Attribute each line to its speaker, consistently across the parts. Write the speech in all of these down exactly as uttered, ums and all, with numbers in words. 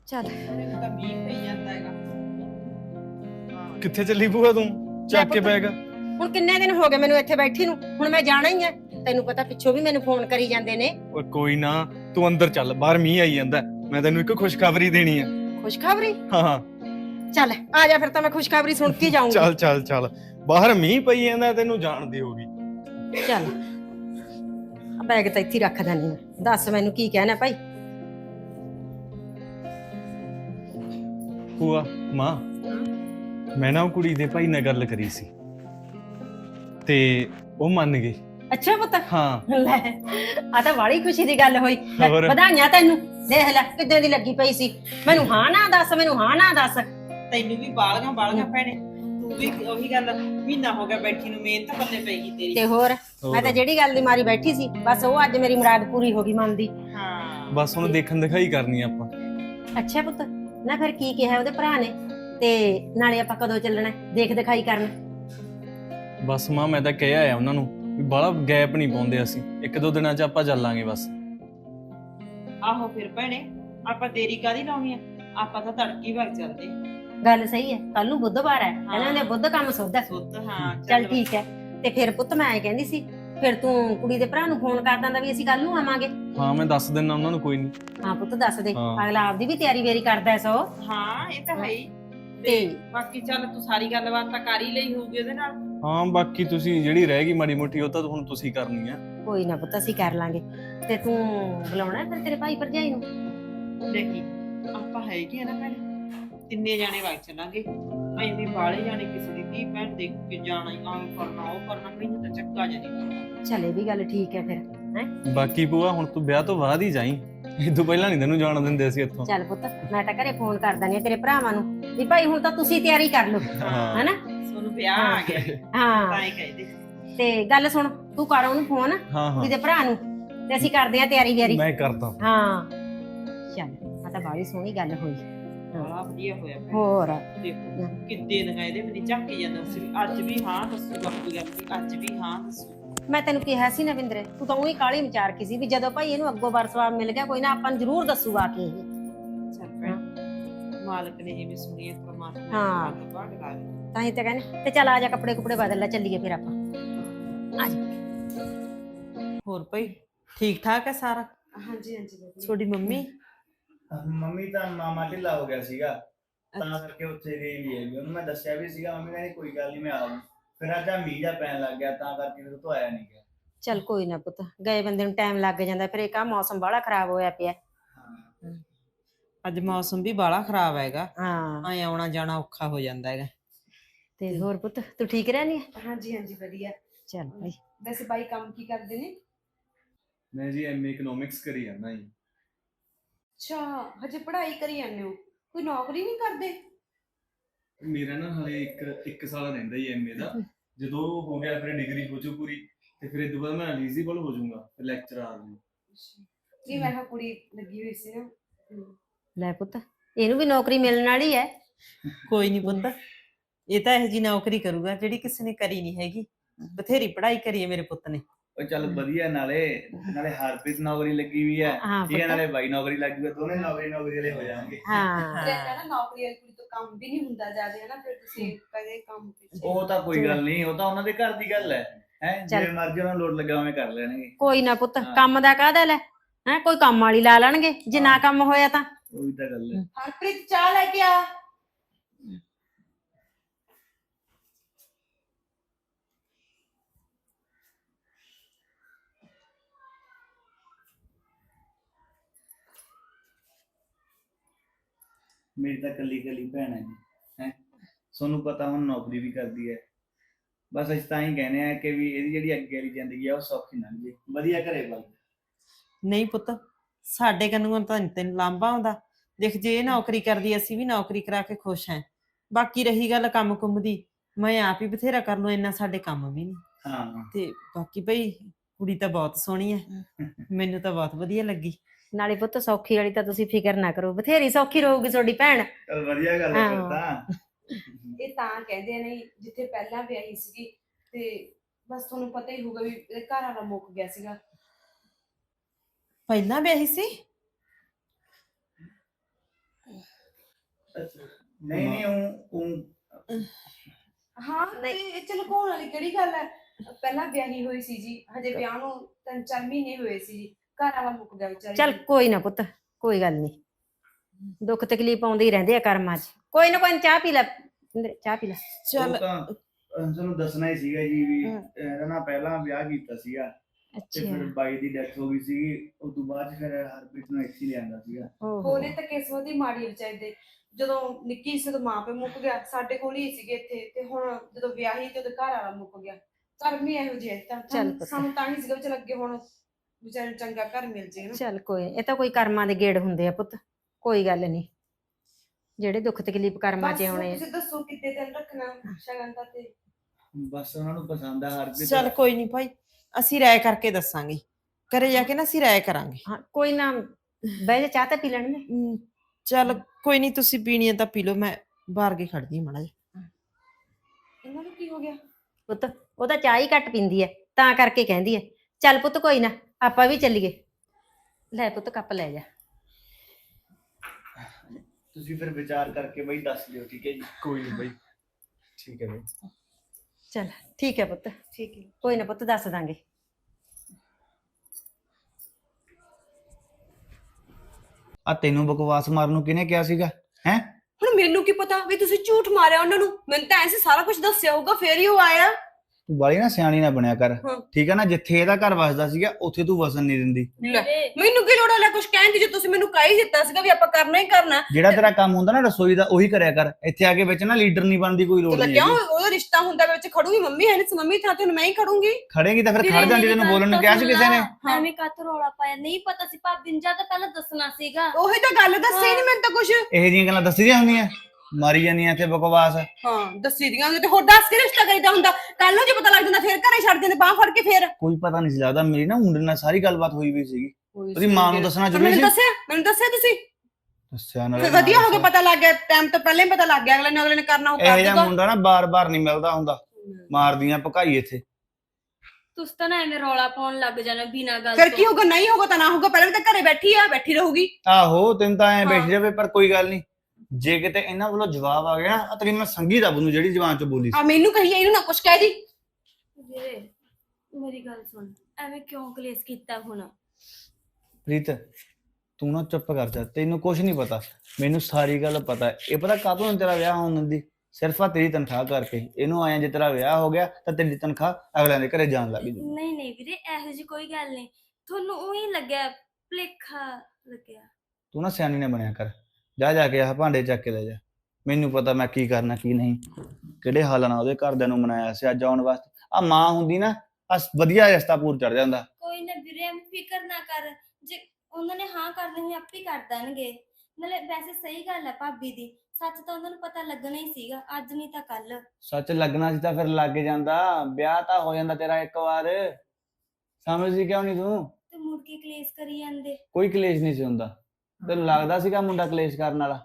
Speaker 1: ਚੱਲ
Speaker 2: ਤਾਂ ਮੀਂਹ ਪਈ ਜਾਂਦਾ ਹੈਗਾ।
Speaker 3: ਕਿੱਥੇ ਚੱਲੀ ਭੂਆ ਤੂੰ? ਚੱਕ ਕੇ ਬੈਗ।
Speaker 1: ਹੁਣ ਕਿੰਨੇ ਦਿਨ ਹੋ ਗਏ ਮੈਨੂੰ ਇੱਥੇ ਬੈਠੀ ਨੂੰ, ਹੁਣ ਮੈਂ ਜਾਣਾ ਹੀ ਐ। ਤੈਨੂੰ ਪਤਾ ਪਿੱਛੋਂ ਵੀ ਮੈਨੂੰ ਫੋਨ ਕਰੀ ਜਾਂਦੇ ਨੇ।
Speaker 3: ਓਏ ਕੋਈ ਨਾ, ਤੂੰ ਅੰਦਰ ਚੱਲ, ਬਾਹਰ ਮੀਂਹ ਆਈ ਜਾਂਦਾ। ਮੈਂ ਤੈਨੂੰ ਇੱਕ ਖੁਸ਼ਖਬਰੀ ਦੇਣੀ ਆ।
Speaker 1: ਖੁਸ਼ਖਬਰੀ?
Speaker 3: ਹਾਂ ਹਾਂ
Speaker 1: ਚੱਲ ਆ ਜਾ ਫਿਰ, ਤਾਂ ਮੈਂ ਖੁਸ਼ਖਬਰੀ ਸੁਣ ਕੇ ਜਾਊਂਗੀ।
Speaker 3: ਚੱਲ ਚੱਲ ਚੱਲ, ਬਾਹਰ ਮੀਂਹ ਪਈ ਜਾਂਦਾ, ਤੈਨੂੰ ਜਾਣਦੀ ਹੋਗੀ।
Speaker 1: ਚੱਲ ਬੈਗ ਤਾਂ ਇੱਥੇ ਰੱਖ ਦਿੰਦੀ ਮੈਂ, ਦੱਸ ਮੈਨੂੰ ਕੀ ਕਹਿਣਾ ਭਾਈ।
Speaker 3: ਭੂਆ ਮਾਂ, ਮੈਂ ਨਾ ਉਹ ਕੁੜੀ ਦੇ ਭਾਈ ਨਾਲ ਗੱਲ ਕਰੀ ਸੀ ਤੇ ਉਹ ਮੰਨ ਗਏ।
Speaker 1: ਅੱਛਾ ਪੁੱਤ,
Speaker 3: ਹਾਂ
Speaker 1: ਲੈ ਆ ਤਾਂ ਬੜੀ ਖੁਸ਼ੀ ਦੀ ਗੱਲ ਹੋਈ। ਲੈ,
Speaker 3: ਹੋਰ?
Speaker 1: ਵਧਾਈਆਂ ਤੈਨੂੰ। ਦੇਖ ਲੈ ਕਿੱਦਾਂ ਦੀ ਲੱਗੀ ਪਈ ਸੀ। ਮੈਨੂੰ ਹਾਂ ਨਾ ਦੱਸ, ਮੈਨੂੰ ਹਾਂ ਨਾ ਦੱਸ।
Speaker 2: ਤੈਨੂੰ ਵੀ ਬਾਲਗਾ ਬਾਲਗਾ ਭੈਣੇ, ਤੂੰ ਵੀ ਉਹੀ ਗੱਲ, ਮਹੀਨਾ ਹੋ ਗਿਆ ਬੈਠੀ ਨੂੰ, ਮਿਹਨਤ ਪੱਲੇ ਪਈਗੀ ਤੇਰੀ।
Speaker 1: ਤੇ ਹੋਰ ਮੈਂ ਤਾਂ ਜਿਹੜੀ ਗੱਲ ਦੀ ਮਾਰੀ ਬੈਠੀ ਸੀ, ਬਸ ਉਹ ਅੱਜ ਮੇਰੀ ਮੁਰਾਦ ਪੂਰੀ ਹੋ ਗਈ ਮਨ ਦੀ।
Speaker 2: ਹਾਂ
Speaker 3: ਬਸ ਹੁਣ ਦੇਖਣ ਦਿਖਾਈ ਕਰਨੀ ਆ ਆਪਾਂ।
Speaker 1: ਅੱਛਾ ਪੁੱਤ, ਨਾ ਫਿਰ ਕੀ ਕਿਹਾ ਉਹਦੇ ਭਰਾ ਨੇ, ਤੇ ਨਾਲੇ ਆਪਾਂ ਕਦੋਂ ਚੱਲਣਾ ਦੇਖ ਦਿਖਾਈ ਕਰਨ?
Speaker 3: ਬਸ ਮਾਂ ਮੈਂ ਤਾਂ ਕਹਿਆ ਆ ਉਹਨਾਂ ਨੂੰ ਵੀ ਬਾਹਲਾ ਗੈਪ ਨਹੀਂ ਪਾਉਂਦੇ, ਅਸੀਂ ਇੱਕ ਦੋ ਦਿਨਾਂ 'ਚ ਆਪਾਂ ਚੱਲਾਂਗੇ ਬਸ।
Speaker 2: ਆਹੋ ਫਿਰ ਭੈਣੇ, ਆਪਾਂ ਦੇਰੀ ਕਾਦੀ ਲਾਉਣੀ ਆ, ਆਪਾਂ ਤਾਂ ਤੜਕੀ ਵਗ ਚੱਲਦੇ।
Speaker 1: ਗੱਲ ਸਹੀ ਹੈ, ਕੱਲ ਨੂੰ ਬੁੱਧਵਾਰ ਹੈ, ਕਹਿੰਦੇ ਹੁੰਦੇ ਬੁੱਧ ਕੰਮ ਸੁੱਧ ਹੈ।
Speaker 2: ਸੁੱਧ ਹਾਂ
Speaker 1: ਚੱਲ ਠੀਕ ਹੈ। ਤੇ ਫਿਰ ਪੁੱਤ ਮੈਂ ਕਹਿੰਦੀ ਸੀ, ਫਿਰ ਤੂੰ ਕੁੜੀ ਦੇ ਭਰਾ ਨੂੰ ਫੋਨ ਕਰ ਦਿੰਦਾ ਵੀ ਅਸੀਂ ਕੱਲ ਨੂੰ ਆਵਾਂਗੇ।
Speaker 3: ਹਾਂ ਮੈਂ ਦੱਸ ਦਿੰਦਾ ਉਹਨਾਂ ਨੂੰ, ਕੋਈ ਨਹੀਂ।
Speaker 1: ਹਾਂ ਪੁੱਤ ਦੱਸ ਦੇ,
Speaker 3: ਹਾਂ।
Speaker 1: ਅਗਲਾ ਆਪਦੀ ਵੀ ਤਿਆਰੀ ਵੇਰੀ ਕਰਦਾ ਸੋ।
Speaker 2: ਹਾਂ ਇਹ ਤਾਂ ਹੈ ਹੀ।
Speaker 1: ਤੇ
Speaker 2: ਬਾਕੀ ਚੱਲ ਤੂੰ ਸਾਰੀ ਗੱਲਬਾਤ ਤਾਂ ਕਰ ਹੀ ਲਈ ਹੋਊਗੀ ਉਹਦੇ ਨਾਲ।
Speaker 3: ਹਾਂ ਬਾਕੀ ਤੁਸੀਂ ਜਿਹੜੀ ਰਹਿ ਗਈ ਮਾੜੀ ਮੋਟੀ ਉਹ ਤਾਂ ਹੁਣ ਤੁਸੀਂ ਕਰਨੀ ਆ।
Speaker 1: ਕੋਈ ਨਾ ਪੁੱਤ ਅਸੀਂ ਕਰ ਲਾਂਗੇ। ਤੇ ਤੂੰ ਬੁਲਾਉਣਾ ਫਿਰ ਤੇਰੇ ਭਾਈ ਭਰਜਾਈ ਨੂੰ?
Speaker 2: ਨਹੀਂ ਆਪਾਂ ਹੈਗੇ ਆ ਨਾ ਭੈਣੇ, ਤਿੰਨੇ ਜਾਣੇ ਵਗ ਚੱਲਾਂਗੇ। ਐਵੇਂ ਬਾਲੇ ਜਾਣੇ ਕਿਸੇ ਦੀ ਧੀ ਭੈਣ ਦੇਖ ਕੇ ਜਾਣਾ, ਆਹ ਕਰਨਾ ਉਹ ਕਰਨਾ, ਮੈਨੂੰ ਤਾਂ ਚੱਕਾ ਜਾ ਨਹੀਂ।
Speaker 1: ਚਲੇ ਵੀ ਗੱਲ ਠੀਕ ਹੈ ਫਿਰ, ਹੈ।
Speaker 3: ਬਾਕੀ ਭੂਆ ਹੁਣ ਤੂੰ ਵਿਆਹ ਤੋਂ ਬਾਅਦ ਹੀ ਜਾਈਂ, ਇਹ ਤੋਂ ਪਹਿਲਾਂ ਨਹੀਂ ਤੈਨੂੰ ਜਾਣ ਦਿੰਦੇ ਅਸੀਂ ਇੱਥੋਂ।
Speaker 1: ਚੱਲ ਪੁੱਤ ਮੈਂ ਤਾਂ ਘਰੇ ਫੋਨ ਕਰ ਦਿੰਦੀ ਆ ਤੇਰੇ ਭਰਾਵਾਂ ਨੂੰ ਵੀ ਭਾਈ ਹੁਣ ਤਾਂ ਤੁਸੀਂ ਤਿਆਰੀ ਕਰ ਲਓ,
Speaker 3: ਹਾਂ।
Speaker 1: ਹੈਨਾ?
Speaker 2: ਤੁਹਾਨੂੰ ਵਿਆਹ ਆ ਗਿਆ ਤਾਂ
Speaker 1: ਹਾਂ
Speaker 2: ਹੀ ਕਹਿੰਦੇ।
Speaker 1: ਤੇ ਗੱਲ ਸੁਣ, ਤੂੰ ਕਰ ਉਹਨੂੰ ਫੋਨ
Speaker 3: ਹਾਂ ਹਾਂ
Speaker 1: ਉਹਦੇ ਭਰਾ ਨੂੰ, ਤੇ ਅਸੀਂ ਕਰਦੇ ਆ ਤਿਆਰੀ ਵਿਆਰੀ।
Speaker 3: ਮੈਂ ਕਰਦਾ।
Speaker 1: ਹਾਂ ਚੱਲ ਆ ਤਾਂ ਬੜੀ ਸੋਹਣੀ ਗੱਲ ਹੋਈ।
Speaker 2: ਬੜਾ ਵਧੀਆ ਹੋਇਆ ਭੈਣੇ।
Speaker 1: ਹੋਰ
Speaker 2: ਦੇਖੋ ਕਿੱਦੇ ਦਿਨ ਇਹਦੇ ਮੈਨੂੰ ਝਾਕੀ ਜਾਂਦਾ ਸੀ ਵੀ ਅੱਜ ਵੀ ਹਾਂ ਦੱਸੂਗਾ ਕੋਈ ਗੱਲ ਨਹੀਂ, ਅੱਜ ਵੀ ਹਾਂ ਦੱਸੂ।
Speaker 1: ਮੈਂ ਤੈਨੂੰ ਕਿਹਾ ਸੀ ਨਾ ਵਿੰਦਰੇ, ਤੂੰ ਤਾਂ ਉਹੀ ਕਾਲੀ ਵਿਚਾਰ ਕੀ ਸੀ ਵੀ ਜਦੋਂ ਭਾਈ ਇਹਨੂੰ ਅੱਗੋਂ ਬਰਸਵਾਬ ਮਿਲ ਗਿਆ ਕੋਈ ਨਾ ਆਪਾਂ ਨੂੰ ਜ਼ਰੂਰ ਦੱਸੂਗਾ ਕਿ ਇਹ।
Speaker 2: ਚੱਲ ਭੈਣੇ, ਮਾਲਕ ਨੇ ਜਿਵੇਂ ਸੁਣੀ ਹੈ ਪਰਮਾਤਮਾ
Speaker 1: ਹਾਂ।
Speaker 2: ਨੇ ਬਾਗ ਲਾ ਦਿੱਤਾ।
Speaker 1: ਤਾਂ ਹੀ ਤਾਂ ਕਹਿੰਦੇ। ਤੇ ਚੱਲ ਆ ਜਾ ਕੱਪੜੇ ਕੁਪੜੇ ਬਦਲ ਲੈ, ਚੱਲੀਏ ਫਿਰ ਆਪਾਂ। ਆ ਜਾ।
Speaker 2: ਹੋਰ ਭਾਈ ਠੀਕ ਠਾਕ ਹੈ ਸਾਰਾ?
Speaker 1: ਹਾਂਜੀ ਹਾਂਜੀ ਵਧੀਆ।
Speaker 2: ਤੁਹਾਡੀ ਮੰਮੀ?
Speaker 4: ਮੰਮੀ ਤਾਂ ਮਾਮਾ ਢਿੱਲਾ ਹੋ ਗਿਆ ਸੀਗਾ, ਤਾਂ ਕਰਕੇ ਉੱਥੇ ਗਈ ਵੀ ਹੈ। ਉਹਨੂੰ ਮੈਂ ਦੱਸਿਆ ਵੀ ਸੀਗਾ, ਮੰਮੀ ਕਹਿੰਦੀ ਕੋਈ ਗੱਲ ਨਹੀਂ ਮੈਂ ਆ ਜਾਊਂ। ਫਿਰ ਅੱਜ ਆ ਮੀਂਹ ਜਾ ਪੈਣ ਲੱਗ ਗਿਆ, ਤਾਂ ਕਰਕੇ ਫਿਰ ਤੋਂ ਆਇਆ ਨਹੀਂ ਗਿਆ।
Speaker 1: ਚੱਲ ਕੋਈ ਨਾ ਪੁੱਤ, ਗਏ ਬੰਦੇ ਨੂੰ ਟਾਈਮ ਲੱਗ ਜਾਂਦਾ, ਫਿਰ ਇੱਕ ਆ ਮੌਸਮ ਬੜਾ ਖਰਾਬ ਹੋਇਆ ਪਿਆ।
Speaker 4: ਹਾਂ
Speaker 2: ਅੱਜ ਮੌਸਮ ਵੀ ਬਾਲਾ ਖਰਾਬ ਹੈਗਾ,
Speaker 1: ਹਾਂ
Speaker 2: ਐ ਆਉਣਾ ਜਾਣਾ ਔਖਾ ਹੋ ਜਾਂਦਾ ਹੈਗਾ।
Speaker 1: ਤੇ ਹੋਰ ਪੁੱਤ ਤੂੰ ਠੀਕ ਰਹਿਨੀ ਹੈ?
Speaker 5: ਹਾਂਜੀ ਹਾਂਜੀ ਵਧੀਆ।
Speaker 1: ਚੱਲ ਭਾਈ।
Speaker 5: ਵੈਸੇ ਬਾਈ ਕੰਮ ਕੀ ਕਰਦੇ ਨੇ?
Speaker 3: ਮੈਂ ਜੀ ਐਮਏ ਇਕਨੋਮਿਕਸ ਕਰੀ ਜਾਂਦਾ ਜੀ।
Speaker 5: ਅੱਛਾ, ਹਜੇ ਪੜ੍ਹਾਈ ਕਰੀ ਜਾਂਦੇ ਹੋ, ਕੋਈ ਨੌਕਰੀ ਨਹੀਂ ਕਰਦੇ?
Speaker 3: ਮੇਰਾ ਨਾ ਹਲੇ ਇੱਕ ਇੱਕ ਸਾਲ ਰਹਿੰਦਾ ਹੀ ਐਮਏ ਦਾ, ਜਦੋਂ ਹੋ ਗਿਆ ਫਿਰ ਡਿਗਰੀ ਹੋ ਜੂ ਪੂਰੀ, ਤੇ ਫਿਰ ਇਦੋਂ ਬਾਅਦ ਮੈਂ ਐਲੀਜੀਬਲ ਹੋ ਜਾਊਂਗਾ, ਫਿਰ ਲੈਕਚਰ ਆ ਜਾਊਂਗਾ।
Speaker 5: ਨਹੀਂ ਮੈਂ ਕਿਹਾ ਕੁੜੀ ਲੱਗੀ ਹੋਈ ਸੀ ਨਾ।
Speaker 1: ਲੈ ਪੁੱਤ ਇਹਨੂੰ ਵੀ ਨੌਕਰੀ ਮਿਲਣ ਵਾਲੀ ਹੈ।
Speaker 2: ਕੋਈ ਨਹੀਂ ਪੁੱਤ, ਇਹ ਤਾਂ ਇਹੋ ਜੀ ਨੌਕਰੀ ਕਰੂਗਾ ਜਿਹੜੀ ਕਿਸੇ ਨੇ ਕਰੀ ਨਹੀਂ ਹੈਗੀ। ਬਥੇਰੀ ਪੜ੍ਹਾਈ ਕਰੀ ਹੈ ਮੇਰੇ ਪੁੱਤ ਨੇ।
Speaker 4: ਉਹ ਚੱਲ ਵਧੀਆ, ਨਾਲੇ ਨਾਲੇ ਹਰਪ੍ਰੀਤ ਨੌਕਰੀ ਲੱਗੀ ਵੀ ਹੈ,
Speaker 1: ਹਾਂ
Speaker 4: ਠੀਕ ਹੈ,
Speaker 1: ਪੁੱਤ।
Speaker 4: ਨਾਲੇ ਬਾਈ ਨੌਕਰੀ ਲੱਗ ਗਈ, ਦੋਨੇ ਨੌਕਰੀ ਨੌਕਰੀ ਵਾਲੇ ਹੋ ਜਾਣਗੇ।
Speaker 1: ਹਾਂ
Speaker 5: ਰਹਿਣਾ ਨਾ ਨੌਕਰੀ ਵਾਲੀ ਕੁੜੀ ਤੋਂ ਕੰਮ ਵੀ ਨਹੀਂ ਹੁੰਦਾ ਜ਼ਿਆਦਾ ਹੈ ਨਾ, ਫਿਰ ਤੁਸੀਂ ਕਦੇ ਕੰਮ ਪਿੱਛੇ।
Speaker 4: ਉਹ ਤਾਂ ਕੋਈ ਗੱਲ ਨਹੀਂ, ਉਹ ਤਾਂ ਉਹਨਾਂ ਦੇ ਘਰ ਦੀ ਗੱਲ ਹੈ, ਹੈ
Speaker 1: ਚੱਲ।
Speaker 4: ਜਿਵੇਂ ਮਰਜ਼ੀ ਉਹਨਾਂ ਨੂੰ ਲੋੜ ਲੱਗਾ ਉਵੇਂ ਕਰ ਲੈਣਗੇ।
Speaker 1: ਕੋਈ ਨਾ ਪੁੱਤ,
Speaker 4: ਹਾਂ।
Speaker 1: ਕੰਮ ਦਾ ਕਾਹਦਾ ਲੈ ਹੈ, ਕੋਈ ਕੰਮ ਵਾਲੀ ਲਾ ਲੈਣਗੇ ਜੇ ਨਾ ਕੰਮ ਹੋਇਆ ਤਾਂ।
Speaker 4: ਉਹੀ ਤਾਂ ਗੱਲ ਹੈ।
Speaker 5: ਹਰਪ੍ਰੀਤ ਚਾਹ ਲੈ ਕੇ ਆ।
Speaker 4: ਮੇਰੀ ਤਾਂ ਕੱਲੀ ਕੱਲੀ ਭੈਣ ਹੈ ਜੀ, ਹੈ ਤੁਹਾਨੂੰ ਪਤਾ ਹੁਣ ਨੌਕਰੀ ਵੀ ਕਰਦੀ ਹੈ, ਬਸ ਅਸੀਂ ਤਾਂ ਹੀ ਕਹਿੰਦੇ ਆ ਕਿ ਵੀ ਇਹਦੀ ਜਿਹੜੀ ਅੱਗੇ ਵਾਲੀ ਜ਼ਿੰਦਗੀ ਆ ਉਹ ਸੌਖੀ ਲੰਘ ਜੇ, ਵਧੀਆ ਘਰੇ ਵੱਲ।
Speaker 2: ਨਹੀਂ ਪੁੱਤ, ਸਾਡੇ ਕੰਨੋਂ ਤਾਂ ਨੀ ਤੈਨੂੰ ਲਾਂਭਾ ਆਉਂਦਾ। ਦੇਖ ਜੇ ਇਹ ਨੌਕਰੀ ਕਰਦੀ, ਅਸੀਂ ਵੀ ਨੌਕਰੀ ਕਰਾ ਕੇ ਖੁਸ਼ ਹਾਂ। ਬਾਕੀ ਰਹੀ ਗੱਲ ਕੰਮ ਕੁੰਮ ਦੀ, ਮੈਂ ਆਪ ਹੀ ਬਥੇਰਾ ਕਰ ਲੂ, ਇੰਨਾ ਸਾਡੇ ਕੰਮ ਵੀ ਨਹੀਂ।
Speaker 4: ਹਾਂ
Speaker 2: ਤੇ ਬਾਕੀ ਭਈ ਕੁੜੀ ਤਾਂ ਬਹੁਤ ਸੋਹਣੀ ਹੈ, ਮੈਨੂੰ ਤਾਂ ਬਹੁਤ ਵਧੀਆ ਲੱਗੀ।
Speaker 1: ਨਾਲੇ ਪੁੱਤ ਸੌਖੀ ਵਾਲੀ ਤਾਂ ਤੁਸੀਂ ਫਿਕਰ ਨਾ ਕਰੋ, ਬਥੇਰੀ ਸੌਖੀ ਰਹੂਗੀ ਤੁਹਾਡੀ ਭੈਣ।
Speaker 4: ਚੱਲ ਵਧੀਆ ਗੱਲ ਹੈ ਫਿਰ
Speaker 1: ਹਾਂ।
Speaker 4: ਤਾਂ।
Speaker 5: ਇਹ ਤਾਂ ਕਹਿੰਦੇ ਨੇ ਜਿੱਥੇ ਪਹਿਲਾਂ ਵਿਆਹੀ ਸੀਗੀ, ਤੇ ਬਸ ਤੁਹਾਨੂੰ ਪਤਾ ਹੀ ਹੋਊਗਾ ਵੀ ਇਹਦੇ ਘਰ ਵਾਲਾ ਮੁੱਕ ਗਿਆ ਸੀਗਾ।
Speaker 2: ਪਹਿਲਾਂ ਵਿਆਹੀ ਸੀ?
Speaker 4: ਨਹੀਂ ਨਹੀਂ ਉਹ ਉਹ
Speaker 5: ਹਾਂ ਤੇ ਚਲੋ ਕੋਣ ਵਾਲੀ ਕਿਹੜੀ ਗੱਲ ਹੈ, ਪਹਿਲਾਂ ਵਿਆਹੀ ਹੋਈ ਸੀ ਜੀ, ਹਜੇ ਵਿਆਹ ਨੂੰ ਤਿੰਨ ਚਾਰ ਮਹੀਨੇ ਹੋਏ ਸੀ ਜੀ, ਘਰ ਵਾਲਾ ਮੁੱਕ ਗਿਆ ਵਿਚਾਰੀ
Speaker 1: ਚੱਲ ਕੋਈ ਨਾ ਪੁੱਤ, ਕੋਈ ਗੱਲ ਨਹੀਂ, ਦੁੱਖ ਤਕਲੀਫ ਆਉਂਦੇ ਹੀ ਰਹਿੰਦੇ ਆ ਕਰਮਾਂ 'ਚ। ਕੋਈ ਨਾ ਕੋਈ ਨਾ, ਚਾਹ ਪੀ ਲੈ ਇੰਦਰੇ, ਚਾਹ ਪੀ ਲੈ।
Speaker 2: ਚੱਲ
Speaker 4: ਉਹ ਤਾਂ ਅਹ ਤੁਹਾਨੂੰ ਦੱਸਣਾ ਹੀ ਸੀਗਾ ਜੀ ਵੀ
Speaker 1: ਹਮ।
Speaker 4: ਇਹਦਾ ਨਾ ਪਹਿਲਾਂ ਵਿਆਹ ਕੀਤਾ ਸੀਗਾ ਤੇ
Speaker 1: ਅੱਛਾ
Speaker 4: ਫਿਰ ਬਾਈ ਦੀ ਡੈਥ ਹੋ ਗਈ ਸੀ, ਉਸ ਤੋਂ ਬਾਅਦ 'ਚ ਫਿਰ ਹਰਪ੍ਰੀਤ ਨੂੰ ਇੱਥੇ ਹੀ ਲਿਆਂਦਾ ਸੀਗਾ।
Speaker 1: ਓਹੋ।
Speaker 5: ਹੋਲੇ ਤਾਂ ਕਿਸਮਤ ਦੀ ਮਾੜੀ ਵਿਚਾਰੀ ਦੇ, ਜਦੋਂ ਨਿੱਕੀ ਸੀ ਉਦੋਂ ਮਾਂ ਪਿਓ ਮੁੱਕ ਗਿਆ, ਸਾਡੇ ਕੋਲ ਹੀ ਸੀਗੇ ਇੱਥੇ, ਤੇ ਹੁਣ ਜਦੋਂ ਵਿਆਹੀ ਤੇ ਉਹਦੇ ਘਰ ਵਾਲਾ ਮੁੱਕ ਗਿਆ। ਕਰਮ ਹੀ ਇਹੋ ਜਿਹੇ ਤਾਂ
Speaker 1: ਚੱਲ
Speaker 5: ਸਾਨੂੰ-
Speaker 1: ਪੁੱਤ।
Speaker 5: ਸਾਨੂੰ ਤਾਂ ਹੀ ਸੀਗਾ ਵੀ ਚੱਲ ਅੱਗੇ ਹੁਣ ਵਿਚਾਰੇ ਨੂੰ ਚੰਗਾ ਘਰ ਮਿਲ ਜੇ ਨਾ।
Speaker 1: ਚੱਲ ਕੋਈ ਨੀ, ਇਹ ਤਾਂ ਕੋਈ ਕਰਮਾਂ ਦੇ ਗੇੜ ਹੁੰਦੇ ਆ ਪੁੱਤ, ਕੋਈ ਗੱਲ ਨਹੀਂ, ਜਿਹੜੇ ਦੁੱਖ ਤਕਲੀਫ ਕਰਮਾਂ 'ਚ
Speaker 5: ਬਸ
Speaker 1: ਆਉਣੇ ਆ।
Speaker 5: ਤੁਸੀਂ ਦੱਸੋ ਕਿੱਦੇ ਦਿਨ ਰੱਖਣਾ ਸ਼ਗਨ ਦਾ ਤੇ
Speaker 4: ਬਸ ਉਹਨਾਂ ਨੂੰ ਪਸੰਦ ਆ ਹਰਪ੍ਰੀਤ।
Speaker 2: ਚੱਲ ਕੋਈ ਨਹੀਂ ਭਾਈ, ਅਸੀਂ ਰਾਏ ਕਰਕੇ ਦੱਸਾਂਗੇ, ਘਰੇ ਜਾ ਕੇ ਨਾ ਅਸੀਂ ਰਾਏ ਕਰਾਂਗੇ।
Speaker 1: ਹਾਂ ਕੋਈ ਨਾ, ਬਹਿ ਜਾ, ਚਾਹ ਤਾਂ ਪੀ ਲੈਣ ਦੇ।
Speaker 2: ਹਮ, ਚੱਲ ਕੋਈ ਨਹੀਂ, ਤੁਸੀਂ ਪੀਣੀ ਹੈ ਤਾਂ ਪੀ ਲਓ, ਮੈਂ ਬਾਹਰ ਕੇ ਖੜਦੀ ਹਾਂ ਮਾੜਾ ਜਿਹਾ।
Speaker 5: ਇਹਨਾਂ ਨੂੰ ਕੀ ਹੋ ਗਿਆ?
Speaker 1: ਪੁੱਤ ਉਹ ਤਾਂ ਚਾਹ ਹੀ ਘੱਟ ਪੀਂਦੀ ਐ, ਤਾਂ ਕਰਕੇ ਕਹਿੰਦੀ ਐ। ਚੱਲ ਪੁੱਤ ਕੋਈ ਨਾ, ਆਪਾਂ ਵੀ ਚੱਲੀਏ। ਲੈ ਪੁੱਤ ਕੱਪ ਲੈ ਜਾ।
Speaker 4: ਤੁਸੀਂ ਫਿਰ ਵਿਚਾਰ ਕਰਕੇ ਬਈ ਦੱਸ ਦਿਓ, ਠੀਕ ਹੈ ਜੀ?
Speaker 3: ਕੋਈ ਨਹੀਂ ਬਾਈ, ਠੀਕ ਹੈ ਬਾਈ।
Speaker 1: ਚੱਲ ਠੀਕ ਹੈ ਪੁੱਤ,
Speaker 5: ਠੀਕ ਹੈ।
Speaker 1: ਕੋਈ ਨਾ ਪੁੱਤ, ਦੱਸ ਦਾਂਗੇ।
Speaker 4: ਆ ਤੈਨੂੰ ਬਕਵਾਸ ਮਾਰਨ ਨੂੰ ਕਿਹਨੇ ਕਿਹਾ ਸੀਗਾ ਹੈ?
Speaker 5: ਹੁਣ ਮੈਨੂੰ ਕੀ ਪਤਾ ਵੀ ਤੁਸੀਂ ਝੂਠ ਮਾਰਿਆ ਉਹਨਾਂ ਨੂੰ, ਮੈਨੂੰ ਤਾਂ ਐਸੇ ਸਾਰਾ ਕੁਝ ਦੱਸਿਆ ਹੋਊਗਾ ਫੇਰ ਹੀ ਉਹ ਆਇਆ।
Speaker 4: ਤੂੰ ਬਾਲੀ ਨਾ ਸਿਆਣੀ ਨਾ ਬਣਿਆ ਕਰ,
Speaker 5: ਹਾਂ।
Speaker 4: ਠੀਕ ਹੈ ਨਾ? ਜਿੱਥੇ ਇਹਦਾ ਘਰ ਵਸਦਾ ਸੀਗਾ ਉੱਥੇ ਤੂੰ ਵਸਣ ਨਹੀਂ ਦਿੰਦੀ।
Speaker 5: ਮੈਨੂੰ ਕੀ ਲੋੜ ਹੈ ਕੁਝ ਕਹਿਣ ਦੀ, ਜੇ ਤੁਸੀਂ ਮੈਨੂੰ ਕਹਿ ਹੀ ਦਿੱਤਾ ਸੀਗਾ ਵੀ ਆਪਾਂ ਕਰਨਾ ਹੀ ਕਰਨਾ।
Speaker 4: ਜਿਹੜਾ ਤੇਰਾ ਕੰਮ ਹੁੰਦਾ ਨਾ ਰਸੋਈ ਦਾ ਉਹੀ ਕਰਿਆ ਕਰ, ਇੱਥੇ ਆ ਕੇ ਵਿੱਚ ਨਾ ਲੀਡਰ ਨਹੀਂ ਬਣਦੀ, ਕੋਈ ਲੋੜ
Speaker 5: ਤੇ
Speaker 4: ਨਹੀਂ
Speaker 5: ਕਿਉਂ
Speaker 4: ਹੈਗੀ।
Speaker 5: ਉਹਦਾ ਰਿਸ਼ਤਾ ਹੁੰਦਾ ਵਿੱਚ ਖੜੂਗੀ ਮੰਮੀ ਹੈ ਨਹੀਂ, ਮੰਮੀ ਥਾਂ ਤੇ ਹੁਣ ਮੈਂ ਹੀ ਖੜੂੰਗੀ।
Speaker 4: ਖੜੇਗੀ ਤਾਂ ਫਿਰ ਖੜ ਜਾਂਦੀ, ਤੈਨੂੰ ਬੋਲਣ ਨੂੰ ਕਿਹਾ ਸੀ ਕਿਸੇ ਨੇ?
Speaker 6: ਐਵੇਂ ਕਾਤੋਂ ਰੌਲਾ ਪਾਇਆ? ਨਹੀਂ ਪਤਾ ਸੀ ਭਾਬੀ ਨੂੰ, ਜਾਂ ਤਾਂ ਪਹਿਲਾਂ ਦੱਸਣਾ ਸੀਗਾ।
Speaker 5: ਉਹੀ ਤਾਂ ਗੱਲ ਦੱਸੀ ਨਹੀਂ ਮੈਨੂੰ ਤਾਂ ਕੁਝ।
Speaker 4: ਇਹੋ ਜਿਹੀਆਂ ਗੱਲਾਂ ਦੱਸੀਆਂ ਹੁੰਦੀਆਂ, ਮਾਰੀ ਜਾਂਦੀਆਂ ਇੱਥੇ ਬਕਵਾਸ।
Speaker 5: ਹਾਂ ਦੱਸੀ ਦੀਆਂ ਤੇ ਹੋਰ ਦੱਸ ਕੇ ਰਿਸ਼ਤਾ ਕਰੀਦਾ ਹੁੰਦਾ। ਕੱਲ ਨੂੰ ਜੇ ਪਤਾ ਲੱਗ ਜਾਂਦਾ ਫੇਰ ਘਰੇ ਛੱਡ ਦਿੰਦੇ ਬਾਹ ਫੜ ਕੇ ਫੇਰ।
Speaker 4: ਕੋਈ ਪਤਾ ਨਹੀਂ ਸੀ ਲੱਗਦਾ, ਮੇਰੀ ਨਾ ਮੁੰਡੇ ਨਾਲ ਸਾਰੀ ਗੱਲਬਾਤ ਹੋਈ ਵੀ ਸੀਗੀ। ਉਹਦੀ ਮਾਂ ਨੂੰ ਦੱਸਣਾ ਜ਼ਰੂਰੀ
Speaker 5: ਮੈਨੂੰ
Speaker 4: ਸੀ।
Speaker 5: ਦੱਸਿਆ ਮੈਨੂੰ ਦੱਸਿਆ ਤੁਸੀਂ?
Speaker 4: ਦੱਸਿਆ ਨਾਲੇ
Speaker 5: ਫਿਰ ਵਧੀਆ ਹੋ ਗਿਆ, ਪਤਾ ਲੱਗ ਗਿਆ, ਟਾਈਮ ਤੋਂ ਪਹਿਲਾਂ ਹੀ ਪਤਾ ਲੱਗ ਗਿਆ, ਅਗਲੇ ਨੇ ਅਗਲੇ ਨੇ ਕਰਨਾ ਉਹ
Speaker 4: ਇਹੋ
Speaker 5: ਕਰ
Speaker 4: ਜਿਹਾ
Speaker 5: ਦੂਗਾ।
Speaker 4: ਮੁੰਡਾ ਨਾ ਬਾਰ-ਬਾਰ ਨਹੀਂ ਮਿਲਦਾ ਹੁੰਦਾ, ਮਾਰਦੀਆਂ ਭਕਾਈ ਇੱਥੇ।
Speaker 6: ਤੁਸੀਂ ਤਾਂ ਨਾ ਐਵੇਂ ਰੌਲਾ ਪਾਉਣ ਲੱਗ ਜਾਣਾ ਬਿਨਾਂ ਗੱਲ
Speaker 5: ਫਿਰ
Speaker 6: ਤੋਂ।
Speaker 5: ਕੀ ਹੋਊਗਾ? ਨਹੀਂ ਹੋਊਗਾ ਤਾਂ ਨਾ ਹੋਊਗਾ, ਪਹਿਲਾਂ ਵੀ ਤਾਂ ਘਰੇ ਬੈਠੀ ਆ, ਬੈਠੀ ਰਹੂਗੀ।
Speaker 4: ਆਹੋ ਤੈਨੂੰ ਤਾਂ ਐ ਬੈਠ
Speaker 5: ਹਾਂ।
Speaker 4: ਜਾਵੇ, ਪਰ ਕੋਈ ਗੱਲ ਨਹੀਂ, ਜੇ ਕਿਤੇ ਇਹਨਾਂ ਵੱਲੋਂ ਜਵਾਬ ਆ ਗਿਆ ਨਾ, ਤੇਰੀ ਮੈਂ ਸੰਗੀ ਦੱਬ ਨੂੰ ਜਿਹੜੀ ਜ਼ਬਾਨ ਚ ਬੋਲੀ ਸੀ।
Speaker 5: ਆ ਮੈਨੂੰ ਕਹੀ ਇਹਨੂੰ ਨਾ ਕੁਛ ਕਹਿ ਦੀ।
Speaker 6: ਵੀਰੇ ਮੇਰੀ ਗੱਲ ਸੁਣ, ਐਵੇਂ ਕਿਉਂ ਕਲੇਸ਼ ਕੀਤਾ ਹੁਣ?
Speaker 4: ਪ੍ਰੀਤ ਤੂੰ ਨਾ ਚੁੱਪ ਕਰ ਜਾ, ਤੈਨੂੰ ਕੁਝ ਨਹੀਂ ਪਤਾ, ਮੈਨੂੰ ਸਾਰੀ ਗੱਲ ਪਤਾ ਹੈ। ਇਹ ਪਤਾ ਕਾਹਤੋਂ ਨੀ ਤੇਰਾ ਵਿਆਹ ਹੋਣ ਦਿੰਦੀ? ਸਿਰਫ ਆ ਤੇਰੀ ਤਨਖਾਹ ਕਰਕੇ। ਇਹਨੂੰ ਆਇਆ ਜੇ ਤੇਰਾ ਵਿਆਹ ਹੋ ਗਿਆ ਤਾਂ ਤੇਰੀ ਤਨਖਾਹ ਅਗਲਿਆਂ ਦੇ ਘਰੇ ਜਾਣ ਲੱਗ ਜੂ।
Speaker 6: ਨਹੀਂ ਨਹੀਂ ਵੀਰੇ, ਇਹੋ ਜਿਹੀ ਕੋਈ ਗੱਲ ਨਹੀਂ, ਤੁਹਾਨੂੰ ਉਹੀ ਲੱਗਿਆ, ਭੁਲੇਖਾ ਲੱਗਿਆ।
Speaker 4: ਤੂੰ ਨਾ ਸਿਆਣੀ ਨਾ ਬਣਿਆ ਕਰ, ਜਾ ਜਾ ਕੇ ਆਹ ਭਾਂਡੇ ਚੱਕ ਕੇ ਲੈ ਜਾ। ਮੈਨੂੰ ਪਤਾ ਮੈਂ ਕੀ ਕਰਨਾ ਕੀ ਨਹੀਂ, ਕਿਹੜੇ ਹਾਲਾਂ ਨਾਲ ਉਹਦੇ ਘਰਦਿਆਂ ਨੂੰ ਮਨਾਇਆ ਸੀ ਅੱਜ ਆਉਣ ਵਾਸਤੇ। ਆ ਮਾਂ ਹੁੰਦੀ ਨਾ, ਆ ਵਧੀਆ ਰਿਸ਼ਤਾ ਪੂਰ ਚੜ ਜਾਂਦਾ।
Speaker 6: ਕੋਈ ਨਾ ਵੀਰੇ, ਐਵੇਂ ਫਿਕਰ ਨਾ ਕਰ, ਜੇ ਉਹਨਾਂ ਨੇ ਹਾਂ ਕਰਨੀ ਹੋਈ ਆਪੇ ਹੀ ਕਰ ਦੇਣਗੇ। ਨਾਲੇ ਵੈਸੇ ਸਹੀ ਗੱਲ ਹੈ ਭਾਬੀ ਦੀ, ਸੱਚ ਤਾਂ ਉਹਨਾਂ ਨੂੰ ਪਤਾ ਲੱਗਣਾ ਹੀ ਸੀਗਾ, ਅੱਜ ਨਹੀਂ ਤਾਂ ਕੱਲ।
Speaker 4: ਸੱਚ ਲੱਗਣਾ ਸੀ ਤਾਂ ਫਿਰ ਲੱਗ ਜਾਂਦਾ, ਵਿਆਹ ਤਾਂ ਹੋ ਜਾਂਦਾ ਤੇਰਾ ਇੱਕ ਵਾਰ। ਸਮਝਦੀ ਕਿਉਂ ਨਹੀਂ ਤੂੰ?
Speaker 6: ਤੇ ਮੁੜ ਕੇ ਕਲੇਸ਼ ਕਰੀ ਜਾਂਦੇ।
Speaker 4: ਕੋਈ ਕਲੇਸ਼ ਨਹੀਂ ਸੀ ਹੁੰਦਾ, ਤੈਨੂੰ ਲੱਗਦਾ ਸੀਗਾ ਮੁੰਡਾ ਕਲੇਸ਼ ਕਰਨ ਵਾਲਾ?